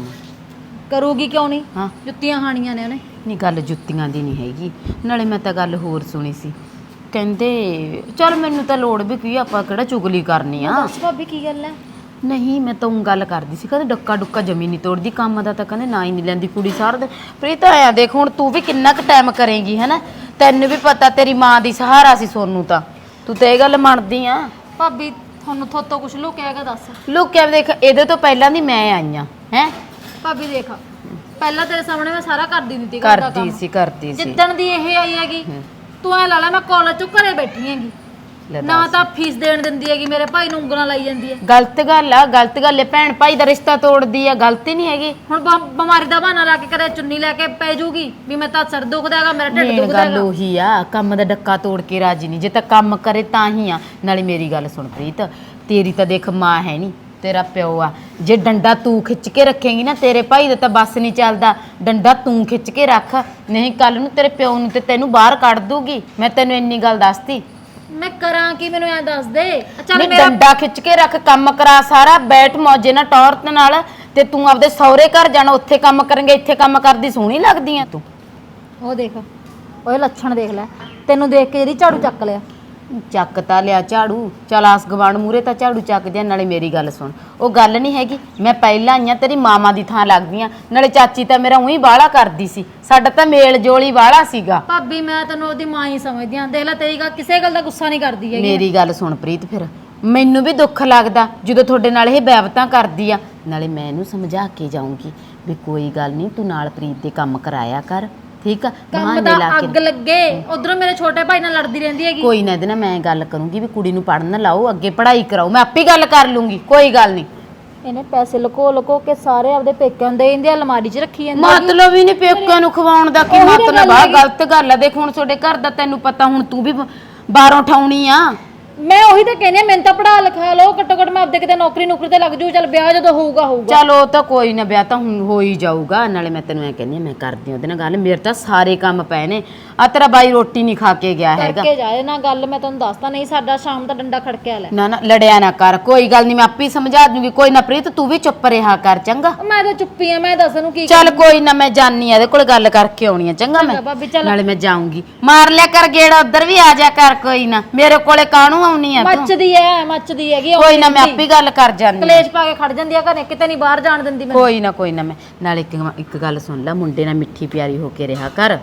Speaker 4: ਕਰੂਗੀ ਕਿਉਂ ਨਹੀਂ?
Speaker 1: ਹਾਂ
Speaker 4: ਜੁੱਤੀਆਂ ਖਾਣੀਆਂ ਨੇ ਉਹਨੇ।
Speaker 1: ਨਹੀਂ ਗੱਲ ਜੁੱਤੀਆਂ ਦੀ ਨਹੀਂ ਹੈਗੀ, ਨਾਲੇ ਮੈਂ ਤਾਂ ਗੱਲ ਹੋਰ ਸੁਣੀ ਸੀ। ਕਹਿੰਦੇ ਚਲ ਮੈਨੂੰ ਤਾਂ ਲੋੜ ਵੀ ਕੀ, ਆਪਾਂ ਕਿਹੜਾ ਚੁਗਲੀ ਕਰਨੀ ਆ।
Speaker 4: ਦੱਸ ਭਾਬੀ ਕੀ ਗੱਲ ਹੈ?
Speaker 1: ਨਹੀਂ ਮੈਂ ਤਾਂ ਉਹ ਗੱਲ ਕਰਦੀ ਸੀ, ਕਹਿੰਦੇ ਡੱਕਾ ਡੁੱਕਾ ਜਮੀ ਨਹੀਂ ਤੋੜਦੀ, ਕੰਮ ਦਾ ਤਾਂ ਕਹਿੰਦੇ ਨਾ ਹੀ ਨਹੀਂ ਲੈਂਦੀ ਕੁੜੀ ਸਾਰਾ ਦਿਨ। ਪ੍ਰੀਤ ਆਇਆ ਦੇਖ ਹੁਣ ਤੂੰ ਵੀ ਕਿੰਨਾ ਕੁ ਟਾਈਮ ਕਰੇਂਗੀ ਹੈਨਾ, ਤੈਨੂੰ ਵੀ ਪਤਾ ਤੇਰੀ ਮਾਂ ਦੀ ਸਹਾਰਾ ਸੀ ਸੋਨੂੰ, ਤਾਂ ਤੂੰ ਤਾਂ ਇਹ ਗੱਲ ਮੰਨਦੀ ਆ।
Speaker 4: ਭਾਬੀ ਤੁਹਾਨੂੰ ਥੋਤੋਂ ਕੁਛ ਲੁਕਿਆਗਾ? ਦੱਸ।
Speaker 1: ਲੋਕਿਆ ਦੇਖ ਇਹਦੇ ਤੋਂ ਪਹਿਲਾਂ ਦੀ ਮੈਂ ਆਈ ਆ ਹੈ।
Speaker 4: ਭਾਬੀ ਦੇਖ ਪਹਿਲਾਂ ਤੇਰੇ ਸਾਹਮਣੇ ਮੈਂ ਸਾਰਾ ਕਰਦੀ ਹੁੰਦੀ ਸੀ ਘਰ ਦਾ ਕੰਮ।
Speaker 1: ਕਰਦੀ ਸੀ।
Speaker 4: ਜਿੱਦਣ ਦੀ ਇਹ ਆਈ ਹੈਗੀ ਤੂੰ ਐ ਲਾ ਲੈ ਮੈਂ ਕਾਲਜ ਚੋਂ ਘਰੇ ਬੈਠੀ ਹੈਗੀ,
Speaker 1: ਲੈ
Speaker 4: ਨਾ ਤਾਂ ਫੀਸ ਦੇਣ ਦਿੰਦੀ ਹੈਗੀ, ਮੇਰੇ ਭਾਈ ਨੂੰ ਉਂਗਲਾਂ ਲਾਈ ਜਾਂਦੀ ਹੈ।
Speaker 1: ਗਲਤ ਗੱਲ ਆ, ਗਲਤ ਗੱਲ ਹੈ। ਭੈਣ ਭਾਈ ਦਾ ਰਿਸ਼ਤਾ ਤੋੜਦੀ ਆ, ਗਲਤੀ ਨਹੀਂ ਹੈਗੀ।
Speaker 4: ਹੁਣ ਬਿਮਾਰੀ ਦਾ ਬਹਾਨਾ ਲਾ ਕੇ ਕਦੇ ਚੁੰਨੀ ਲੈ ਕੇ ਪੈ ਜੂਗੀ ਵੀ ਮੈਂ ਤਾਂ ਸਿਰ ਦੁਖਦਾ ਹੈਗਾ, ਮੇਰਾ ਢਿੱਡ
Speaker 1: ਮੇਨ
Speaker 4: ਦੁਖਦਾ
Speaker 1: ਗੱਲ
Speaker 4: ਹੈਗਾ।
Speaker 1: ਉਹੀ ਆ, ਕੰਮ ਦਾ ਡੱਕਾ ਤੋੜ ਕੇ ਰਾਜੀ ਨਹੀਂ। ਜੇ ਤਾਂ ਕੰਮ ਕਰੇ ਤਾਂ ਹੀ ਆ। ਨਾਲੇ ਮੇਰੀ ਗੱਲ ਸੁਣ ਪ੍ਰੀਤ, ਤੇਰੀ ਤਾਂ ਦੇਖ ਮਾਂ ਹੈ ਨਹੀਂ, ਤੇਰਾ ਪਿਓ ਆ। ਜੇ ਡੰਡਾ ਤੂੰ ਖਿੱਚ ਕੇ ਰੱਖੇਂਗੀ ਨਾ, ਤੇਰੇ ਭਾਈ ਦਾ ਤਾਂ ਬੱਸ ਨਹੀਂ ਚੱਲਦਾ। ਡੰਡਾ ਤੂੰ ਖਿੱਚ ਕੇ ਰੱਖ, ਨਹੀਂ ਕੱਲ ਨੂੰ ਤੇਰੇ ਪਿਓ ਨੂੰ ਤੇ ਤੈਨੂੰ ਬਾਹਰ ਕੱਢ ਦੂਗੀ। ਮੈਂ ਤੈਨੂੰ ਇੰਨੀ ਗੱਲ ਦੱਸਤੀ।
Speaker 4: ਮੈਂ ਕਰਾਂ ਕੀ, ਮੈਨੂੰ ਐ ਦੱਸ ਦੇ। ਚੱਲ
Speaker 1: ਨਹੀਂ
Speaker 4: ਮੇਰਾ
Speaker 1: ਡੰਡਾ ਖਿੱਚ ਕੇ ਰੱਖ, ਕੰਮ ਕਰਾ ਸਾਰਾ, ਬੈਠ ਮੌਜੇ ਨਾਲ ਟੌਰਤ ਨਾਲ। ਤੇ ਤੂੰ ਆਪਦੇ ਸਹੁਰੇ ਘਰ ਜਾਣਾ, ਉੱਥੇ ਕੰਮ ਕਰਾਂਗੇ, ਇੱਥੇ ਕੰਮ ਕਰਦੀ ਸੋਹਣੀ ਲੱਗਦੀ ਆ ਤੂੰ।
Speaker 4: ਉਹ ਦੇਖ, ਓਏ ਲੱਛਣ ਦੇਖ ਲੈ, ਤੈਨੂੰ ਦੇਖ ਕੇ ਜਿਹੜੀ ਝਾੜੂ ਚੱਕ ਲਿਆ।
Speaker 1: ਚੱਕ ਤਾਂ ਲਿਆ ਝਾੜੂ, ਚਲ ਆਸ ਗਵਾਂਢ ਮੂਰੇ ਤਾਂ ਝਾੜੂ ਚੱਕਦੇ ਆ। ਨਾਲੇ ਮੇਰੀ ਗੱਲ ਸੁਣ, ਉਹ ਗੱਲ ਨਹੀਂ ਹੈਗੀ ਮੈਂ ਪਹਿਲਾਂ ਆਈਆਂ ਤੇਰੀ ਮਾਮਾ ਦੀ ਥਾਂ ਲੱਗਦੀ ਆ। ਨਾਲੇ ਚਾਚੀ ਤਾਂ ਮੇਰਾ ਉਹੀ ਬਾਹਲਾ ਕਰਦੀ ਸੀ, ਸਾਡਾ ਤਾਂ ਮੇਲ ਜੋਲੀ ਬਾਹਲਾ ਸੀਗਾ।
Speaker 4: ਭਾਬੀ ਮੈਂ ਤੈਨੂੰ ਉਹਦੀ ਮਾਂ ਹੀ ਸਮਝਦੀ ਆਂ, ਦੇਖ ਲੈ ਤੇਰੀ ਗੱਲ ਕਿਸੇ ਗੱਲ ਦਾ ਗੁੱਸਾ ਨਹੀਂ ਕਰਦੀ ਹੈਗੀ।
Speaker 1: ਮੇਰੀ ਗੱਲ ਸੁਣ ਪ੍ਰੀਤ, ਫਿਰ ਮੈਨੂੰ ਵੀ ਦੁੱਖ ਲੱਗਦਾ ਜਦੋਂ ਤੁਹਾਡੇ ਨਾਲ ਇਹ ਬੈਵਤਾਂ ਕਰਦੀ ਆ। ਨਾਲੇ ਮੈਂ ਇਹਨੂੰ ਸਮਝਾ ਕੇ ਜਾਊਂਗੀ ਵੀ ਕੋਈ ਗੱਲ ਨਹੀਂ, ਤੂੰ ਨਾਲ ਪ੍ਰੀਤ ਦੇ ਕੰਮ ਕਰਾਇਆ ਕਰ, ਠੀਕ ਆ?
Speaker 4: ਕੰਮ
Speaker 1: ਬਹਾਨੇ
Speaker 4: ਦਾ
Speaker 1: ਲਾ
Speaker 4: ਅੱਗ
Speaker 1: ਕੇ
Speaker 4: ਲੱਗੇ, ਉਧਰੋਂ ਮੇਰੇ ਛੋਟੇ ਭਾਈ ਨਾਲ ਲੜਦੀ ਰਹਿੰਦੀ ਹੈਗੀ।
Speaker 1: ਕੋਈ ਨਾ, ਇਹਦੇ ਨਾਲ ਮੈਂ ਗੱਲ ਕਰੂੰਗੀ ਵੀ ਕੁੜੀ ਨੂੰ ਪੜ੍ਹਨ ਲਾਓ, ਅੱਗੇ ਪੜ੍ਹਾਈ ਕਰਾਓ। ਮੈਂ ਆਪੇ ਗੱਲ ਕਰ ਲੂੰਗੀ, ਕੋਈ ਗੱਲ ਨਹੀਂ।
Speaker 4: ਇਹਨੇ ਪੈਸੇ ਲੁਕੋ ਲੁਕੋ ਕੇ ਸਾਰੇ ਆਪਦੇ ਪੇਕਿਆਂ ਦੇ ਇੰਦੇ ਅਲਮਾਰੀ 'ਚ ਰੱਖੀ ਜਾਂਦੀ ਹੈਗੀ।
Speaker 1: ਮਤਲਬ ਹੀ ਨਹੀਂ ਪੇਕਿਆਂ ਨੂੰ ਖਵਾਉਣ ਦਾ, ਕੀ
Speaker 4: ਉਹੀ ਤਾਂ
Speaker 1: ਮਤਲਬ
Speaker 4: ਗੱਲ
Speaker 1: ਆ?
Speaker 4: ਹੈਗੀ।
Speaker 1: ਗਲਤ ਗੱਲ ਆ। ਦੇਖ ਹੁਣ ਤੁਹਾਡੇ ਘਰ ਦਾ ਤੈਨੂੰ ਪਤਾ, ਹੁਣ ਤੂੰ ਵੀ ਬਾਹਰੋਂ ਠਾਉਣੀ ਆ।
Speaker 4: ਮੈਂ ਉਹੀ ਤਾਂ ਕਹਿੰਦੀ ਆ, ਮੈਨੂੰ ਤਾਂ ਪੜਾ ਲਿਖਾ ਲਓ, ਘੱਟੋ ਘੱਟ ਮੈਂ ਆਪਦੇ ਕਿਤੇ ਨੌਕਰੀ ਤੇ ਲੱਗ ਜੂ। ਚੱਲ ਵਿਆਹ ਜਦੋਂ ਹੋਊਗਾ ਹੋਊਗਾ।
Speaker 1: ਚਲ ਉਹ ਤਾਂ ਕੋਈ ਨਾ, ਵਿਆਹ ਤਾਂ ਹੁਣ ਹੋ ਹੀ ਜਾਊਗਾ। ਨਾਲੇ ਮੈਂ ਤੈਨੂੰ ਐ ਕਹਿੰਦੀ ਆ, ਮੈਂ ਕਰਦੀ ਉਹਦੇ ਨਾਲ ਗੱਲ, ਮੇਰੇ ਤਾਂ ਸਾਰੇ ਕੰਮ ਪਏ ਨੇ। ਆ ਤੇਰਾ ਬਾਈ ਰੋਟੀ ਨਹੀਂ ਖਾ ਕੇ ਗਿਆ ਹੈਗਾ।
Speaker 4: ਕਰਕੇ ਜਾਏ ਨਾ ਗੱਲ, ਮੈਂ ਤੁਹਾਨੂੰ ਦੱਸਦਾ ਨਹੀਂ, ਸਾਡਾ ਸ਼ਾਮ ਦਾ ਡੰਡਾ ਖੜਕਿਆ ਲੈ।
Speaker 1: ਨਾ ਨਾ ਲੜਿਆ ਨਾ ਕਰ, ਕੋਈ ਗੱਲ ਨਹੀਂ, ਮੈਂ ਆਪੇ ਸਮਝਾ ਦੂੰਗੀ। ਕੋਈ ਨਾ ਪ੍ਰੀਤ, ਤੂੰ ਵੀ ਚੁੱਪ ਰਿਹਾ ਕਰ, ਚੰਗਾ?
Speaker 4: ਮੈਂ ਤਾਂ ਚੁੱਪੀ ਆ, ਮੈਂ ਦੱਸ ਇਹਨੂੰ ਕੀ
Speaker 1: ਚੱਲ ਕੋਈ ਨਾ, ਮੈਂ ਜਾਨੀ ਆ ਇਹਦੇ ਕੋਲ, ਗੱਲ ਕਰਕੇ ਆਉਣੀ ਆ, ਚੰਗਾ?
Speaker 4: ਚੰਗਾ ਭਾਬੀ, ਚੱਲ।
Speaker 1: ਨਾਲੇ ਮੈਂ ਜਾਊਂਗੀ, ਮਾਰ ਲਿਆ ਕਰ ਗੇੜਾ, ਉੱਧਰ ਵੀ ਆ ਜਾ ਕਰ। ਕੋਈ ਨਾ, ਮੇਰੇ ਕੋਲੇ ਕਾਹਨੂੰ ਆਉਣੀ ਆ ਤੂੰ?
Speaker 4: ਮੱਚਦੀ ਹੈਗੀ।
Speaker 1: ਕੋਈ ਨਾ, ਮੈਂ ਆਪੇ ਗੱਲ ਕਰ ਜਾਨੀ ਆ।
Speaker 4: ਕਲੇਸ਼ ਪਾ ਕੇ ਖੜ ਜਾਂਦੀ ਆ ਘਰੇ, ਕਿਤੇ ਨਹੀਂ ਬਾਹਰ ਜਾਣ ਦਿੰਦੀ ਮੈਨੂੰ।
Speaker 1: ਕੋਈ ਨਾ ਮੈਂ ਨਾਲੇ ਇੱਕ ਗੱਲ ਸੁਣ ਲੈ, ਮੁੰਡੇ ਨਾਲ ਮਿੱਠੀ ਪਿਆਰੀ ਹੋ ਕੇ ਰਿਹਾ ਕਰ।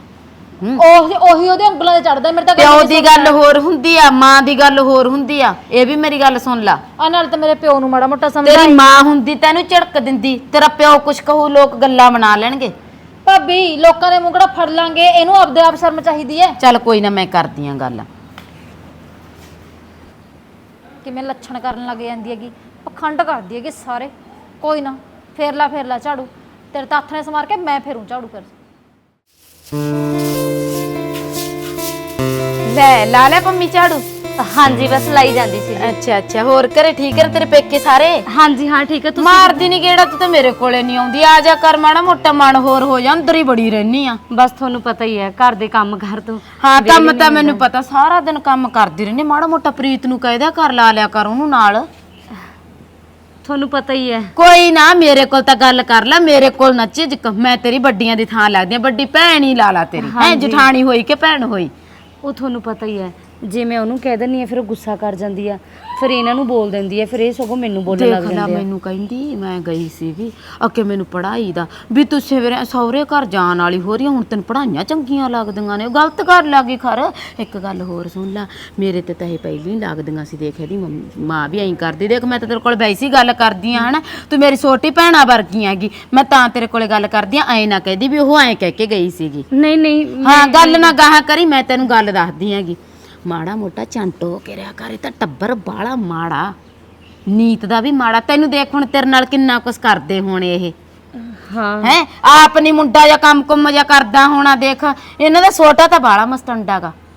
Speaker 4: ਉਹੀ ਉਹਦੇ ਉਂਗਲਾਂ ਤੇ ਚੜਦਾ। ਮੇਰੇ ਤਾਂ
Speaker 1: ਪਿਓ ਦੀ ਗੱਲ ਹੋਰ ਹੁੰਦੀ ਆ, ਮਾਂ ਦੀ ਗੱਲ ਹੋਰ ਹੁੰਦੀ ਆ, ਇਹ ਵੀ ਮੇਰੀ ਗੱਲ ਸੁਣ ਲਾ।
Speaker 4: ਆ ਨਾਲ ਤਾਂ ਮੇਰੇ ਪਿਓ ਨੂੰ ਮਾੜਾ ਮੋਟਾ ਸਮਝ
Speaker 1: ਤੇਰੀ ਮਾਂ ਹੁੰਦੀ ਤੈਨੂੰ ਝੜਕ ਦਿੰਦੀ, ਤੇਰਾ ਪਿਓ ਕੁਛ ਕਹੂ ਲੋਕ ਗੱਲਾਂ ਬਣਾ ਲੈਣਗੇ।
Speaker 4: ਭਾਬੀ ਲੋਕਾਂ ਦੇ ਮੂੰਹ ਕਿਹੜਾ ਫੜ ਲਾਂਗੇ, ਇਹਨੂੰ ਆਪਦੇ ਆਪ ਸ਼ਰਮ ਚਾਹੀਦੀ ਹੈ।
Speaker 1: ਚੱਲ ਕੋਈ ਨਾ, ਮੈਂ ਕਰਦੀ ਆ ਗੱਲ।
Speaker 4: ਕਿਵੇਂ ਲੱਛਣ ਕਰਨ ਲੱਗ ਜਾਂਦੀ ਹੈਗੀ, ਪਖੰਡ ਕਰਦੀ ਹੈਗੀ ਸਾਰੇ। ਕੋਈ ਨਾ, ਫੇਰ ਲਾ ਝਾੜੂ, ਤੇਰੇ ਤਾਂ ਹੱਥ ਨੇ ਸਮਾਰ ਕੇ ਮੈਂ ਫੇਰੂ ਝਾੜੂ ਫਿਰ।
Speaker 1: ਲੈ ਲਾ ਲੈ ਪੰਮੀ ਝਾੜੂ?
Speaker 7: ਹਾਂਜੀ ਬਸ ਲਾਈ ਜਾਂਦੀ ਸੀ।
Speaker 1: ਅੱਛਾ ਹੋਰ ਘਰੇ ਠੀਕ ਹੈ ਤੇਰੇ ਪੇਕੇ ਸਾਰੇ?
Speaker 7: ਹਾਂਜੀ ਹਾਂ ਠੀਕ ਹੈ। ਤੁਸੀਂ
Speaker 1: ਮਾਰਦੀ ਨਹੀਂ ਗੇੜਾ ਤੂੰ ਤਾਂ ਮੇਰੇ ਕੋਲੇ ਨਹੀਂ ਆਉਂਦੀ, ਆ ਜਾ ਕਰ, ਮਾੜਾ ਮੋਟਾ ਮਨ ਹੋਰ ਹੋ ਜਾ, ਅੰਦਰ ਹੀ ਬੜੀ ਰਹਿਨੀ ਆ।
Speaker 7: ਬਸ ਤੁਹਾਨੂੰ ਪਤਾ ਹੀ ਹੈ ਘਰ ਦੇ ਕੰਮ ਕਰ ਤੂੰ।
Speaker 1: ਹਾਂ ਕੰਮ ਤਾਂ ਮੈਨੂੰ ਪਤਾ, ਸਾਰਾ ਦਿਨ ਕੰਮ ਕਰਦੀ ਰਹਿੰਦੀ। ਮਾੜਾ ਮੋਟਾ ਪ੍ਰੀਤ ਨੂੰ ਕਹਿ ਦਿਆ ਕਰ, ਲਾ ਲਿਆ ਕਰ ਉਹਨੂੰ ਨਾਲ।
Speaker 7: ਤੁਹਾਨੂੰ ਪਤਾ ਹੀ ਹੈ।
Speaker 1: ਕੋਈ ਨਾ, ਮੇਰੇ ਕੋਲ ਤਾਂ ਗੱਲ ਕਰ ਲੈ, ਮੇਰੇ ਕੋਲ ਨਾ ਝਿਜਕ। ਮੈਂ ਤੇਰੀ ਵੱਡੀਆਂ ਦੀ ਥਾਂ ਲੱਗਦੀ ਆ, ਵੱਡੀ ਭੈਣ ਹੀ ਲਾ ਲਾ ਤੇਰੀ। ਹੈ ਜਠਾਣੀ ਹੋਈ ਕਿ ਭੈਣ ਹੋਈ?
Speaker 7: ਉਹ ਤੁਹਾਨੂੰ ਪਤਾ ਹੀ ਹੈ, ਜੇ ਮੈਂ ਉਹਨੂੰ ਕਹਿ ਦਿੰਨੀ ਆ ਫਿਰ ਉਹ ਗੁੱਸਾ ਕਰ ਜਾਂਦੀ ਆ, ਫਿਰ ਇਹਨਾਂ ਨੂੰ ਬੋਲ ਦਿੰਦੀ ਹੈ, ਫਿਰ ਇਹ ਸਗੋਂ ਮੈਨੂੰ ਬੋਲਣ ਲੱਗ
Speaker 1: ਦੇਖ ਲੈ,
Speaker 7: ਜਾਂਦੇ ਆ।
Speaker 1: ਮੈਨੂੰ ਕਹਿੰਦੀ ਮੈਂ ਗਈ ਸੀਗੀ ਅੱਗੇ ਮੈਨੂੰ ਪੜ੍ਹਾਈ ਦਾ ਵੀ ਤੂੰ ਸਹੁਰੇ ਘਰ ਜਾਣ ਵਾਲੀ ਹੋ ਰਹੀ ਆ, ਹੁਣ ਤੈਨੂੰ ਪੜ੍ਹਾਈਆਂ ਚੰਗੀਆਂ ਲੱਗਦੀਆਂ ਨੇ। ਗਲਤ ਕਰ ਲੱਗੀ ਖਰ। ਇੱਕ ਗੱਲ ਹੋਰ ਸੁਣ ਲੈ, ਮੇਰੇ ਤੇ ਤਾਂ ਇਹ ਪਹਿਲਾਂ ਹੀ ਲੱਗਦੀਆਂ ਸੀ। ਦੇਖ ਇਹਦੀ ਮਾਂ ਵੀ ਐਂ ਕਰਦੀ। ਦੇਖ ਮੈਂ ਤਾਂ ਤੇਰੇ ਕੋਲ ਵੈਸੇ ਹੀ ਗੱਲ ਕਰਦੀ ਆ, ਹਨਾ? ਤੂੰ ਮੇਰੀ ਛੋਟੀ ਭੈਣਾ ਵਰਗੀ ਹੈਗੀ, ਮੈਂ ਤਾਂ ਤੇਰੇ ਕੋਲੇ ਗੱਲ ਕਰਦੀ ਆ। ਐਂ ਨਾ ਕਹਿਦੀ ਵੀ ਉਹ ਐਂ ਕਹਿ ਕੇ ਗਈ ਸੀਗੀ।
Speaker 7: ਨਹੀਂ
Speaker 1: ਹਾਂ ਗੱਲ ਨਾ ਗਾਹਾਂ ਕਰੀ, ਮੈਂ ਤੈਨੂੰ ਗੱਲ ਦੱਸਦੀ ਹੈਗੀ। ਮਾੜਾ ਮੋਟਾ ਚੰਟ ਹੋ ਕੇ ਰਿਹਾ ਕਰ, ਇਹ ਤਾਂ ਟੱਬਰ ਬਾਲਾ ਮਾੜਾ, ਨੀਤ ਦਾ ਵੀ ਮਾੜਾ। ਤੈਨੂੰ ਦੇਖ ਹੁਣ ਤੇਰੇ ਨਾਲ ਕਿੰਨਾ ਕੁਛ ਕਰਦੇ ਹੋਣੇ ਇਹ।
Speaker 7: ਹਾਂ
Speaker 1: ਹੈ ਆਪ ਨੀ ਮੁੰਡਾ ਜਾਂ ਕੰਮ ਕੁੰਮ ਜਾਂ ਕਰਦਾ ਹੋਣਾ। ਦੇਖ ਇਹਨਾਂ ਦਾ ਛੋਟਾ ਤਾਂ ਬਾਲਾ ਮਸਤੰਡਾ ਗਾ।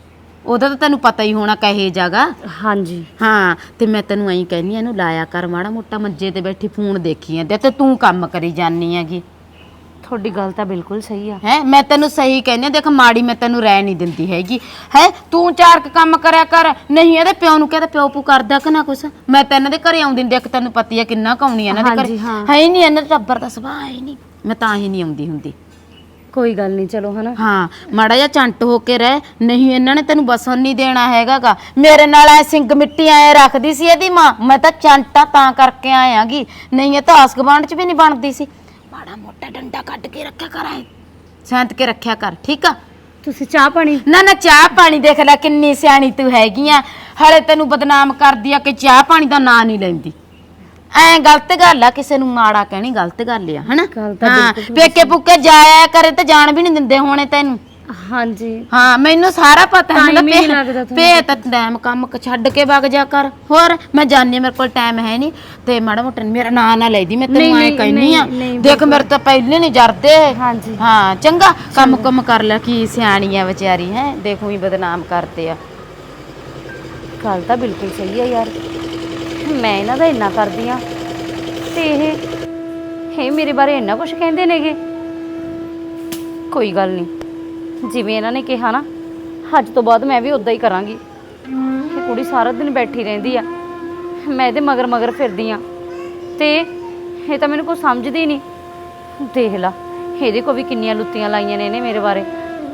Speaker 8: ਉਹਦਾ ਤਾਂ ਤੈਨੂੰ ਪਤਾ ਹੀ ਹੋਣਾ ਕਹੇ ਜਾਗਾ।
Speaker 7: ਹਾਂਜੀ
Speaker 8: ਹਾਂ ਤੇ ਮੈਂ ਤੈਨੂੰ ਐਂ ਕਹਿੰਦੀ ਆ, ਇਹਨੂੰ ਲਾਇਆ ਕਰ ਮਾੜਾ ਮੋਟਾ, ਮੰਜੇ ਤੇ ਬੈਠੀ ਫੋਨ ਦੇਖੀ ਜਾਂਦੇ ਤੇ ਤੂੰ ਕੰਮ ਕਰੀ ਜਾਨੀ ਹੈਗੀ।
Speaker 7: ਤੁਹਾਡੀ ਗੱਲ ਤਾਂ ਬਿਲਕੁਲ ਸਹੀ ਆ।
Speaker 8: ਹੈ ਮੈਂ ਤੈਨੂੰ ਸਹੀ ਕਹਿੰਦੀ ਆ, ਦੇਖ ਮਾੜੀ ਮੈਂ ਤੈਨੂੰ ਰਹਿ ਨਹੀਂ ਦਿੰਦੀ ਹੈਗੀ। ਹੈ ਤੂੰ ਚਾਰ ਕੁ ਕੰਮ ਕਰਿਆ ਕਰ, ਨਹੀਂ ਇਹਦੇ ਪਿਓ ਨੂੰ ਕਹਿੰਦਾ ਪਿਓ ਪੂ ਕਰਦਾ ਕਿ ਨਾ ਕੁਛ। ਮੈਂ ਤਾਂ ਇਹਨਾਂ ਦੇ ਘਰੇ ਆਉਂਦੀ ਨੀ, ਦੇਖ ਤੈਨੂੰ ਪਤੀ ਆ ਕਿੰਨਾ ਕਾਉਣੀ ਇਹਨਾਂ ਦੇ ਘਰੇ।
Speaker 7: ਹਾਂਜੀ, ਹਾਂ।
Speaker 8: ਹੈ ਹੀ ਨਹੀਂ ਇਹਨਾਂ ਦਾ ਟੱਬਰ ਦਾ ਸੁਭਾਅ ਹੈ ਹੀ ਨਹੀਂ, ਮੈਂ ਤਾਂ ਹੀ ਨਹੀਂ ਆਉਂਦੀ ਹੁੰਦੀ।
Speaker 7: ਕੋਈ ਗੱਲ ਨਹੀਂ, ਚਲੋ ਹਨਾ।
Speaker 8: ਹਾਂ ਮਾੜਾ ਜਿਹਾ ਚੰਟ ਹੋ ਕੇ ਰਹਿ, ਨਹੀਂ ਇਹਨਾਂ ਨੇ ਤੈਨੂੰ ਬਸਣ ਨਹੀਂ ਦੇਣਾ ਹੈਗਾਗਾ। ਮੇਰੇ ਨਾਲ ਐ ਸਿੰਗ ਮਿੱਟੀ ਐ ਰੱਖਦੀ ਸੀ ਇਹਦੀ ਮਾਂ, ਮੈਂ ਤਾਂ ਚੰਟਾ ਤਾਂ ਕਰਕੇ ਆਇਆਗੀ, ਨਹੀਂ ਇਹ ਤਾਂ ਆਸ ਗੁਆਂਢ ਚ ਵੀ ਨਹੀਂ ਬਣਦੀ ਸੀ। ਮਾੜਾ ਮੋਟਾ ਡੰਡਾ ਕੱਢ ਕੇ ਰੱਖਿਆ ਕਰ, ਐ ਸੈਂਤ ਕੇ ਰੱਖਿਆ ਕਰ, ਠੀਕ ਆ।
Speaker 7: ਤੁਸੀਂ ਚਾਹ ਪਾਣੀ?
Speaker 8: ਨਾ ਨਾ ਚਾਹ ਪਾਣੀ ਦੇਖ ਲੈ ਕਿੰਨੀ ਸਿਆਣੀ ਤੂੰ ਹੈਗੀ ਆ, ਹਲੇ ਤੈਨੂੰ ਬਦਨਾਮ ਕਰਦੀ ਆ ਕਿ ਚਾਹ ਪਾਣੀ ਦਾ ਨਾਂ ਨਹੀਂ ਲੈਂਦੀ। ਐ ਗਲਤ ਗੱਲ ਆ, ਕਿਸੇ ਨੂੰ ਮਾੜਾ ਕਹਿਣੀ ਗਲਤ ਗੱਲ ਆ, ਹਨਾ।
Speaker 7: ਗੱਲ ਤਾਂ
Speaker 8: ਹਾਂ
Speaker 7: ਬਿਲਕੁਲ
Speaker 8: ਪੇਕੇ ਪੁੱਕੇ ਜਾਇਆ ਕਰੇ ਤੇ ਜਾਣ ਵੀ ਨਹੀਂ ਦਿੰਦੇ ਹੋਣੇ ਤੈਨੂੰ।
Speaker 7: ਹਾਂਜੀ
Speaker 8: ਹਾਂ ਮੈਨੂੰ ਸਾਰਾ ਪਤਾ ਹੈ।
Speaker 7: Time ਹੀ ਨਹੀਂ ਲੱਗਦਾ ਤੁਹਾਨੂੰ।
Speaker 8: ਪੇ ਤਾਂ ਟਾਈਮ ਕੰਮ ਛੱਡ ਕੇ ਵਗ ਜਾ ਕਰ। ਹੋਰ ਮੈਂ ਜਾਣੀ ਮੇਰੇ ਕੋਲ ਟਾਈਮ ਹੈ ਨਹੀਂ, ਤੇ ਮਾੜਾ ਮੋਟਾ ਮੇਰਾ ਨਾਂ ਨਾ ਲੈਦੀ, ਮੈਂ ਤੈਨੂੰ ਐ ਕਹਿਨੀ ਆ। ਦੇਖ ਮੇਰੇ ਤਾਂ ਪਹਿਲੇ ਨਹੀਂ ਜਰਦੇ।
Speaker 7: ਹਾਂਜੀ
Speaker 8: ਹਾਂ ਚੰਗਾ ਕੰਮ ਕਰ ਲੈ, ਕੀ ਸਿਆਣੀ ਆ ਵਿਚਾਰੀ ਹੈ, ਦੇਖੋ ਹੀ ਬਦਨਾਮ ਕਰਦੇ ਆ।
Speaker 7: ਗੱਲ ਤਾਂ ਬਿਲਕੁਲ ਸਹੀ ਆ ਯਾਰ, ਮੈਂ ਇਹਨਾਂ ਦਾ ਇੰਨਾ ਕਰਦੀ ਆ ਤੇ ਇਹ ਮੇਰੇ ਬਾਰੇ ਇੰਨਾ ਕੁਝ ਕਹਿੰਦੇ ਨੇਗੇ। ਕੋਈ ਗੱਲ ਨਹੀਂ, ਜਿਵੇਂ ਇਹਨਾਂ ਨੇ ਕਿਹਾ ਨਾ, ਅੱਜ ਤੋਂ ਬਾਅਦ ਮੈਂ ਵੀ ਉਦਾਂ ਹੀ ਕਰਾਂਗੀ। ਇਹ ਕੁੜੀ ਸਾਰਾ ਦਿਨ ਬੈਠੀ ਰਹਿੰਦੀ ਆ, ਮੈਂ ਇਹਦੇ ਮਗਰ ਮਗਰ ਫਿਰਦੀ ਆ ਤੇ ਇਹ ਤਾਂ ਮੈਨੂੰ ਕੁਝ ਸਮਝਦੀ ਹੀ ਨਹੀਂ। ਦੇਖ ਲਾ ਇਹਦੇ ਕੋ ਵੀ ਕਿੰਨੀਆਂ ਲੁੱਤੀਆਂ ਲਾਈਆਂ ਨੇ ਇਹਨੇ ਮੇਰੇ ਬਾਰੇ।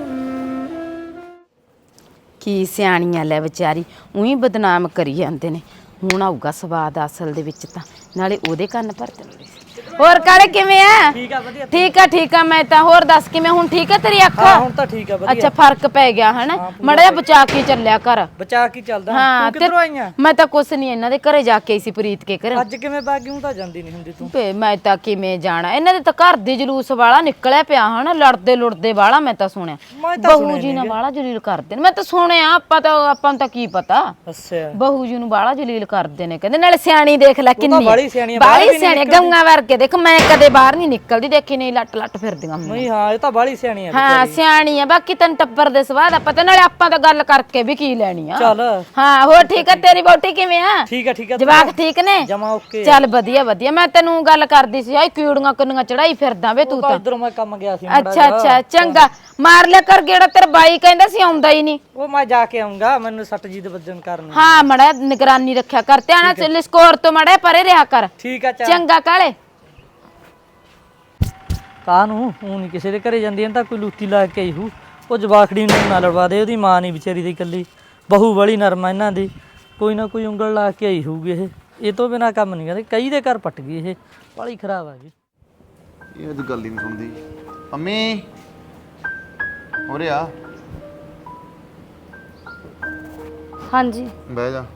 Speaker 8: ਕੀ ਸਿਆਣੀਆਂ ਲੈ ਵਿਚਾਰੀ, ਉਹੀ ਬਦਨਾਮ ਕਰੀ ਜਾਂਦੇ ਨੇ। ਹੁਣ ਆਊਗਾ ਸਵਾਦ ਅਸਲ ਦੇ ਵਿੱਚ ਤਾਂ, ਨਾਲੇ ਉਹਦੇ ਕੰਨ ਭਰ ਦਿੰਦੇ। ਹੋਰ ਕਾਲੇ ਕਿਵੇਂ ਆ?
Speaker 3: ਠੀਕ ਆ ਵਧੀਆ।
Speaker 8: ਠੀਕ ਆ ਮੈਂ ਤਾਂ। ਹੋਰ ਦੱਸ ਕਿਵੇਂ, ਹੁਣ ਠੀਕ ਆ ਤੇਰੀ ਅੱਖ?
Speaker 3: ਹਾਂ ਹੁਣ ਤਾਂ ਠੀਕ ਆ ਵਧੀਆ।
Speaker 8: ਅੱਛਾ ਫਰਕ ਪੈ ਗਿਆ ਹਨਾ, ਮੜਾ ਜਿਹਾ ਬਚਾ ਕੇ ਚੱਲਿਆ ਕਰ।
Speaker 3: ਬਚਾ ਕੀ ਚੱਲਦਾ।
Speaker 8: ਹਾਂ
Speaker 3: ਤੂੰ ਕਿੱਧਰੋਂ ਆਈਆਂ?
Speaker 8: ਮੈਂ ਤਾਂ ਕੁਛ ਨਹੀਂ, ਇਹਨਾਂ ਦੇ ਘਰੇ ਜਾ ਕੇ ਆਈ ਸੀ ਪ੍ਰੀਤ ਕੇ ਘਰ।
Speaker 3: ਅੱਜ ਕਿਵੇਂ ਬਾਗਿਉਂ ਤਾਂ ਜਾਂਦੀ ਨਹੀਂ ਹੁੰਦੀ ਤੂੰ?
Speaker 8: ਮੈਂ ਤਾਂ ਕਿਵੇਂ ਜਾਣਾ, ਇਹਨਾਂ ਦੇ ਤਾਂ ਘਰ ਦੇ ਜਲੂਸ ਵਾਲਾ ਨਿਕਲਿਆ ਪਿਆ ਹਨਾ, ਲੜਦੇ ਲੁੜਦੇ ਵਾਲਾ। ਮੈਂ ਤਾਂ ਸੁਣਿਆ
Speaker 3: ਮੈਂ ਤਾਂ
Speaker 8: ਬਹੂ ਜੀ ਨਾਲ ਵਾਲਾ ਜਲੀਲ ਕਰਦੇ ਨੇ, ਮੈਂ ਤਾਂ ਸੁਣਿਆ। ਆਪਾਂ ਨੂੰ ਤਾਂ ਕੀ ਪਤਾ,
Speaker 3: ਅੱਛਾ
Speaker 8: ਬਹੂ ਜੀ ਨੂੰ ਬਾਲਾ ਜਲੀਲ ਕਰਦੇ ਨੇ ਕਹਿੰਦੇ। ਨਾਲੇ ਸਿਆਣੀ ਦੇਖ ਲੈ ਕਿੰਨੀ
Speaker 3: ਬਾਹਲੀ ਸਿਆਣੀ ਆ,
Speaker 8: ਬਾਹਲੀ ਸਿਆਣੀ ਗੰਗਾ ਵਰਗੇ। ਦੇਖ ਮੈਂ ਕਦੇ ਬਾਹਰ ਨਹੀਂ ਨਿਕਲਦੀ, ਦੇਖੀ ਨਹੀਂ ਲੱਟ ਲੱਟ ਫਿਰਦੀਆਂ
Speaker 3: ਨਹੀਂ। ਹਾਂ ਇਹ ਤਾਂ ਬਾਹਲੀ ਸਿਆਣੀ ਆ।
Speaker 8: ਹਾਂ ਸਿਆਣੀ ਆ, ਬਾਕੀ ਤੈਨੂੰ ਟੱਬਰ ਦੇ ਸਵਾਦ ਆ ਪਤਾ, ਨਾਲੇ ਆਪਾਂ ਤਾਂ ਗੱਲ ਕਰਕੇ ਵੀ ਕੀ ਲੈਣੀ ਆ।
Speaker 3: ਚੱਲ
Speaker 8: ਹਾਂ ਹੋਰ ਠੀਕ ਆ, ਤੇਰੀ ਵਹੁਟੀ ਕਿਵੇਂ ਆ?
Speaker 3: ਠੀਕ ਆ
Speaker 8: ਜਵਾਕ ਠੀਕ ਨੇ?
Speaker 3: ਜਮਾ ਓਕੇ।
Speaker 8: ਚੱਲ ਵਧੀਆ। ਮੈਂ ਤੈਨੂੰ ਗੱਲ ਕਰਦੀ ਸੀ, ਆਈ ਕੀੜੀਆਂ ਕੰਨੀਆਂ ਚੜਾਈ ਫਿਰਦਾ ਵੇ ਤੂੰ ਤਾਂ।
Speaker 3: ਇਧਰੋਂ ਮੈਂ ਕੰਮ ਗਿਆ ਸੀ।
Speaker 8: ਅੱਛਾ ਚੰਗਾ, ਮਾਰ ਲਿਆ ਕਰ ਗੇੜਾ, ਤੇਰਾ ਬਾਈ ਕਹਿੰਦਾ ਸੀ ਆਉਂਦਾ ਹੀ ਨਹੀਂ।
Speaker 3: ਉਹ ਮੈਂ ਜਾ ਕੇ ਆਉਂਗਾ, ਮੈਨੂੰ ਸੱਟ ਜੀ ਦੇ ਵੱਜਣ ਕਾਰਨ।
Speaker 8: ਹਾਂ ਮੜਾ ਨਿਗਰਾਨੀ ਰੱਖਿਆ ਕਰ, ਧਿਆਨ ਚ ਸਕੋਰ ਤੋਂ ਮੜਾ ਪਰੇ ਰਿਹਾ ਕਰ।
Speaker 3: ਠੀਕ ਆ
Speaker 8: ਚੰਗਾ ਕਾਲੇ।
Speaker 3: ਕਾਹਨੂੰ ਉਹ ਨਹੀਂ ਕਿਸੇ ਦੇ ਘਰੇ ਜਾਂਦੀ, ਤਾਂ ਕੋਈ ਲੂਤੀ ਲਾ ਕੇ ਆਈ ਹੂ। ਉਹ ਜਵਾਖੜੀ ਨੂੰ ਨਾ ਲੜਵਾ ਦੇ, ਉਹਦੀ ਮਾਂ ਨਹੀਂ ਵਿਚਾਰੀ ਦੀ ਇਕੱਲੀ, ਬਹੂ ਵਾਲੀ ਨਰਮ ਆ ਇਹਨਾਂ ਦੀ। ਕੋਈ ਨਾ ਕੋਈ ਉਂਗਲ ਲਾ ਕੇ ਆਈ ਹੋਊਗੀ। ਇਹ ਤੋਂ ਬਿਨਾ ਕੰਮ ਨਹੀਂ ਕਰਦੇ, ਕਈ ਦੇ ਘਰ ਪੱਟ ਗਈ ਇਹ, ਬਾਲੀ ਖਰਾਬ ਆ ਗਈ।
Speaker 2: ਇਹ ਤਾਂ ਗੱਲ ਹੀ ਨਹੀਂ ਸੁਣਦੀ। ਮੰਮੀ ਉਰੇ ਆ।
Speaker 7: ਹਾਂਜੀ
Speaker 2: ਬਹਿ ਜਾ।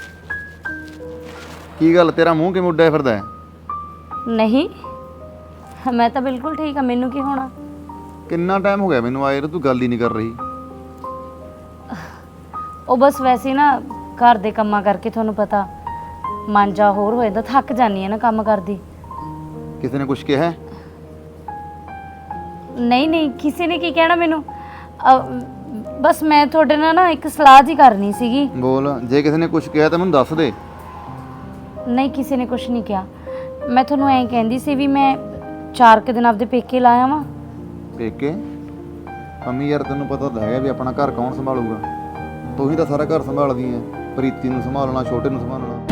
Speaker 2: ਕੀ ਗੱਲ, ਤੇਰਾ ਮੂੰਹ ਕਿਵੇਂ ਉੱਡਿਆ ਫਿਰਦਾ ਹੈ?
Speaker 7: ਨਹੀਂ, ਮੈਂ ਤਾਂ ਬਿਲਕੁਲ ਠੀਕ ਆ, ਮੈਨੂੰ ਕੀ ਹੋਣਾ।
Speaker 2: ਕਿੰਨਾ ਟਾਈਮ ਹੋ ਗਿਆ ਮੈਨੂੰ ਆਏ ਨੂੰ, ਤੂੰ ਗੱਲ ਹੀ ਨਹੀਂ ਕਰ ਰਹੀ।
Speaker 7: ਉਹ ਬਸ ਵੈਸੇ ਨਾ ਘਰ ਦੇ ਕੰਮਾਂ ਕਰਕੇ, ਤੁਹਾਨੂੰ ਪਤਾ ਮਨ ਜਾ ਹੋਰ ਹੋ ਜਾਂਦਾ, ਥੱਕ ਜਾਂਦੀ ਆ ਨਾ ਕੰਮ ਕਰਦੀ।
Speaker 2: ਕਿਸੇ ਨੇ ਕੁਝ ਕਿਹਾ?
Speaker 7: ਨਹੀਂ ਕਿਸੇ ਨੇ ਕੀ ਕਹਿਣਾ ਮੈਨੂੰ। ਬਸ ਮੈਂ ਤੁਹਾਡੇ ਨਾਲ ਨਾ ਇੱਕ ਸਲਾਹ ਜੀ ਕਰਨੀ ਸੀਗੀ।
Speaker 2: ਬੋਲ, ਜੇ ਕਿਸੇ ਨੇ ਕੁਝ ਕਿਹਾ ਤਾਂ ਮੈਨੂੰ ਦੱਸ ਦੇ।
Speaker 7: ਨਹੀਂ ਕਿਸੇ ਨੇ ਕੁਝ ਨਹੀਂ ਕਿਹਾ, ਮੈਂ ਤੁਹਾਨੂੰ ਐਂ ਕਹਿੰਦੀ ਸੀ ਵੀ ਮੈਂ 4 ਕੁ ਦਿਨ ਆਪਦੇ ਪੇਕੇ ਲਾਇਆ ਵਾਂ।
Speaker 2: ਪੇਕੇ? ਮੰਮੀ ਯਾਰ ਤੈਨੂੰ ਪਤਾ ਤਾਂ ਹੈਗਾ ਵੀ ਆਪਣਾ ਘਰ ਕੌਣ ਸੰਭਾਲੂਗਾ? ਤੂੰ ਹੀ ਤਾਂ ਸਾਰਾ ਘਰ ਸੰਭਾਲਦੀ ਐ, ਪ੍ਰੀਤੀ ਨੂੰ ਸੰਭਾਲਣਾ, ਛੋਟੇ ਨੂੰ ਸੰਭਾਲਣਾ।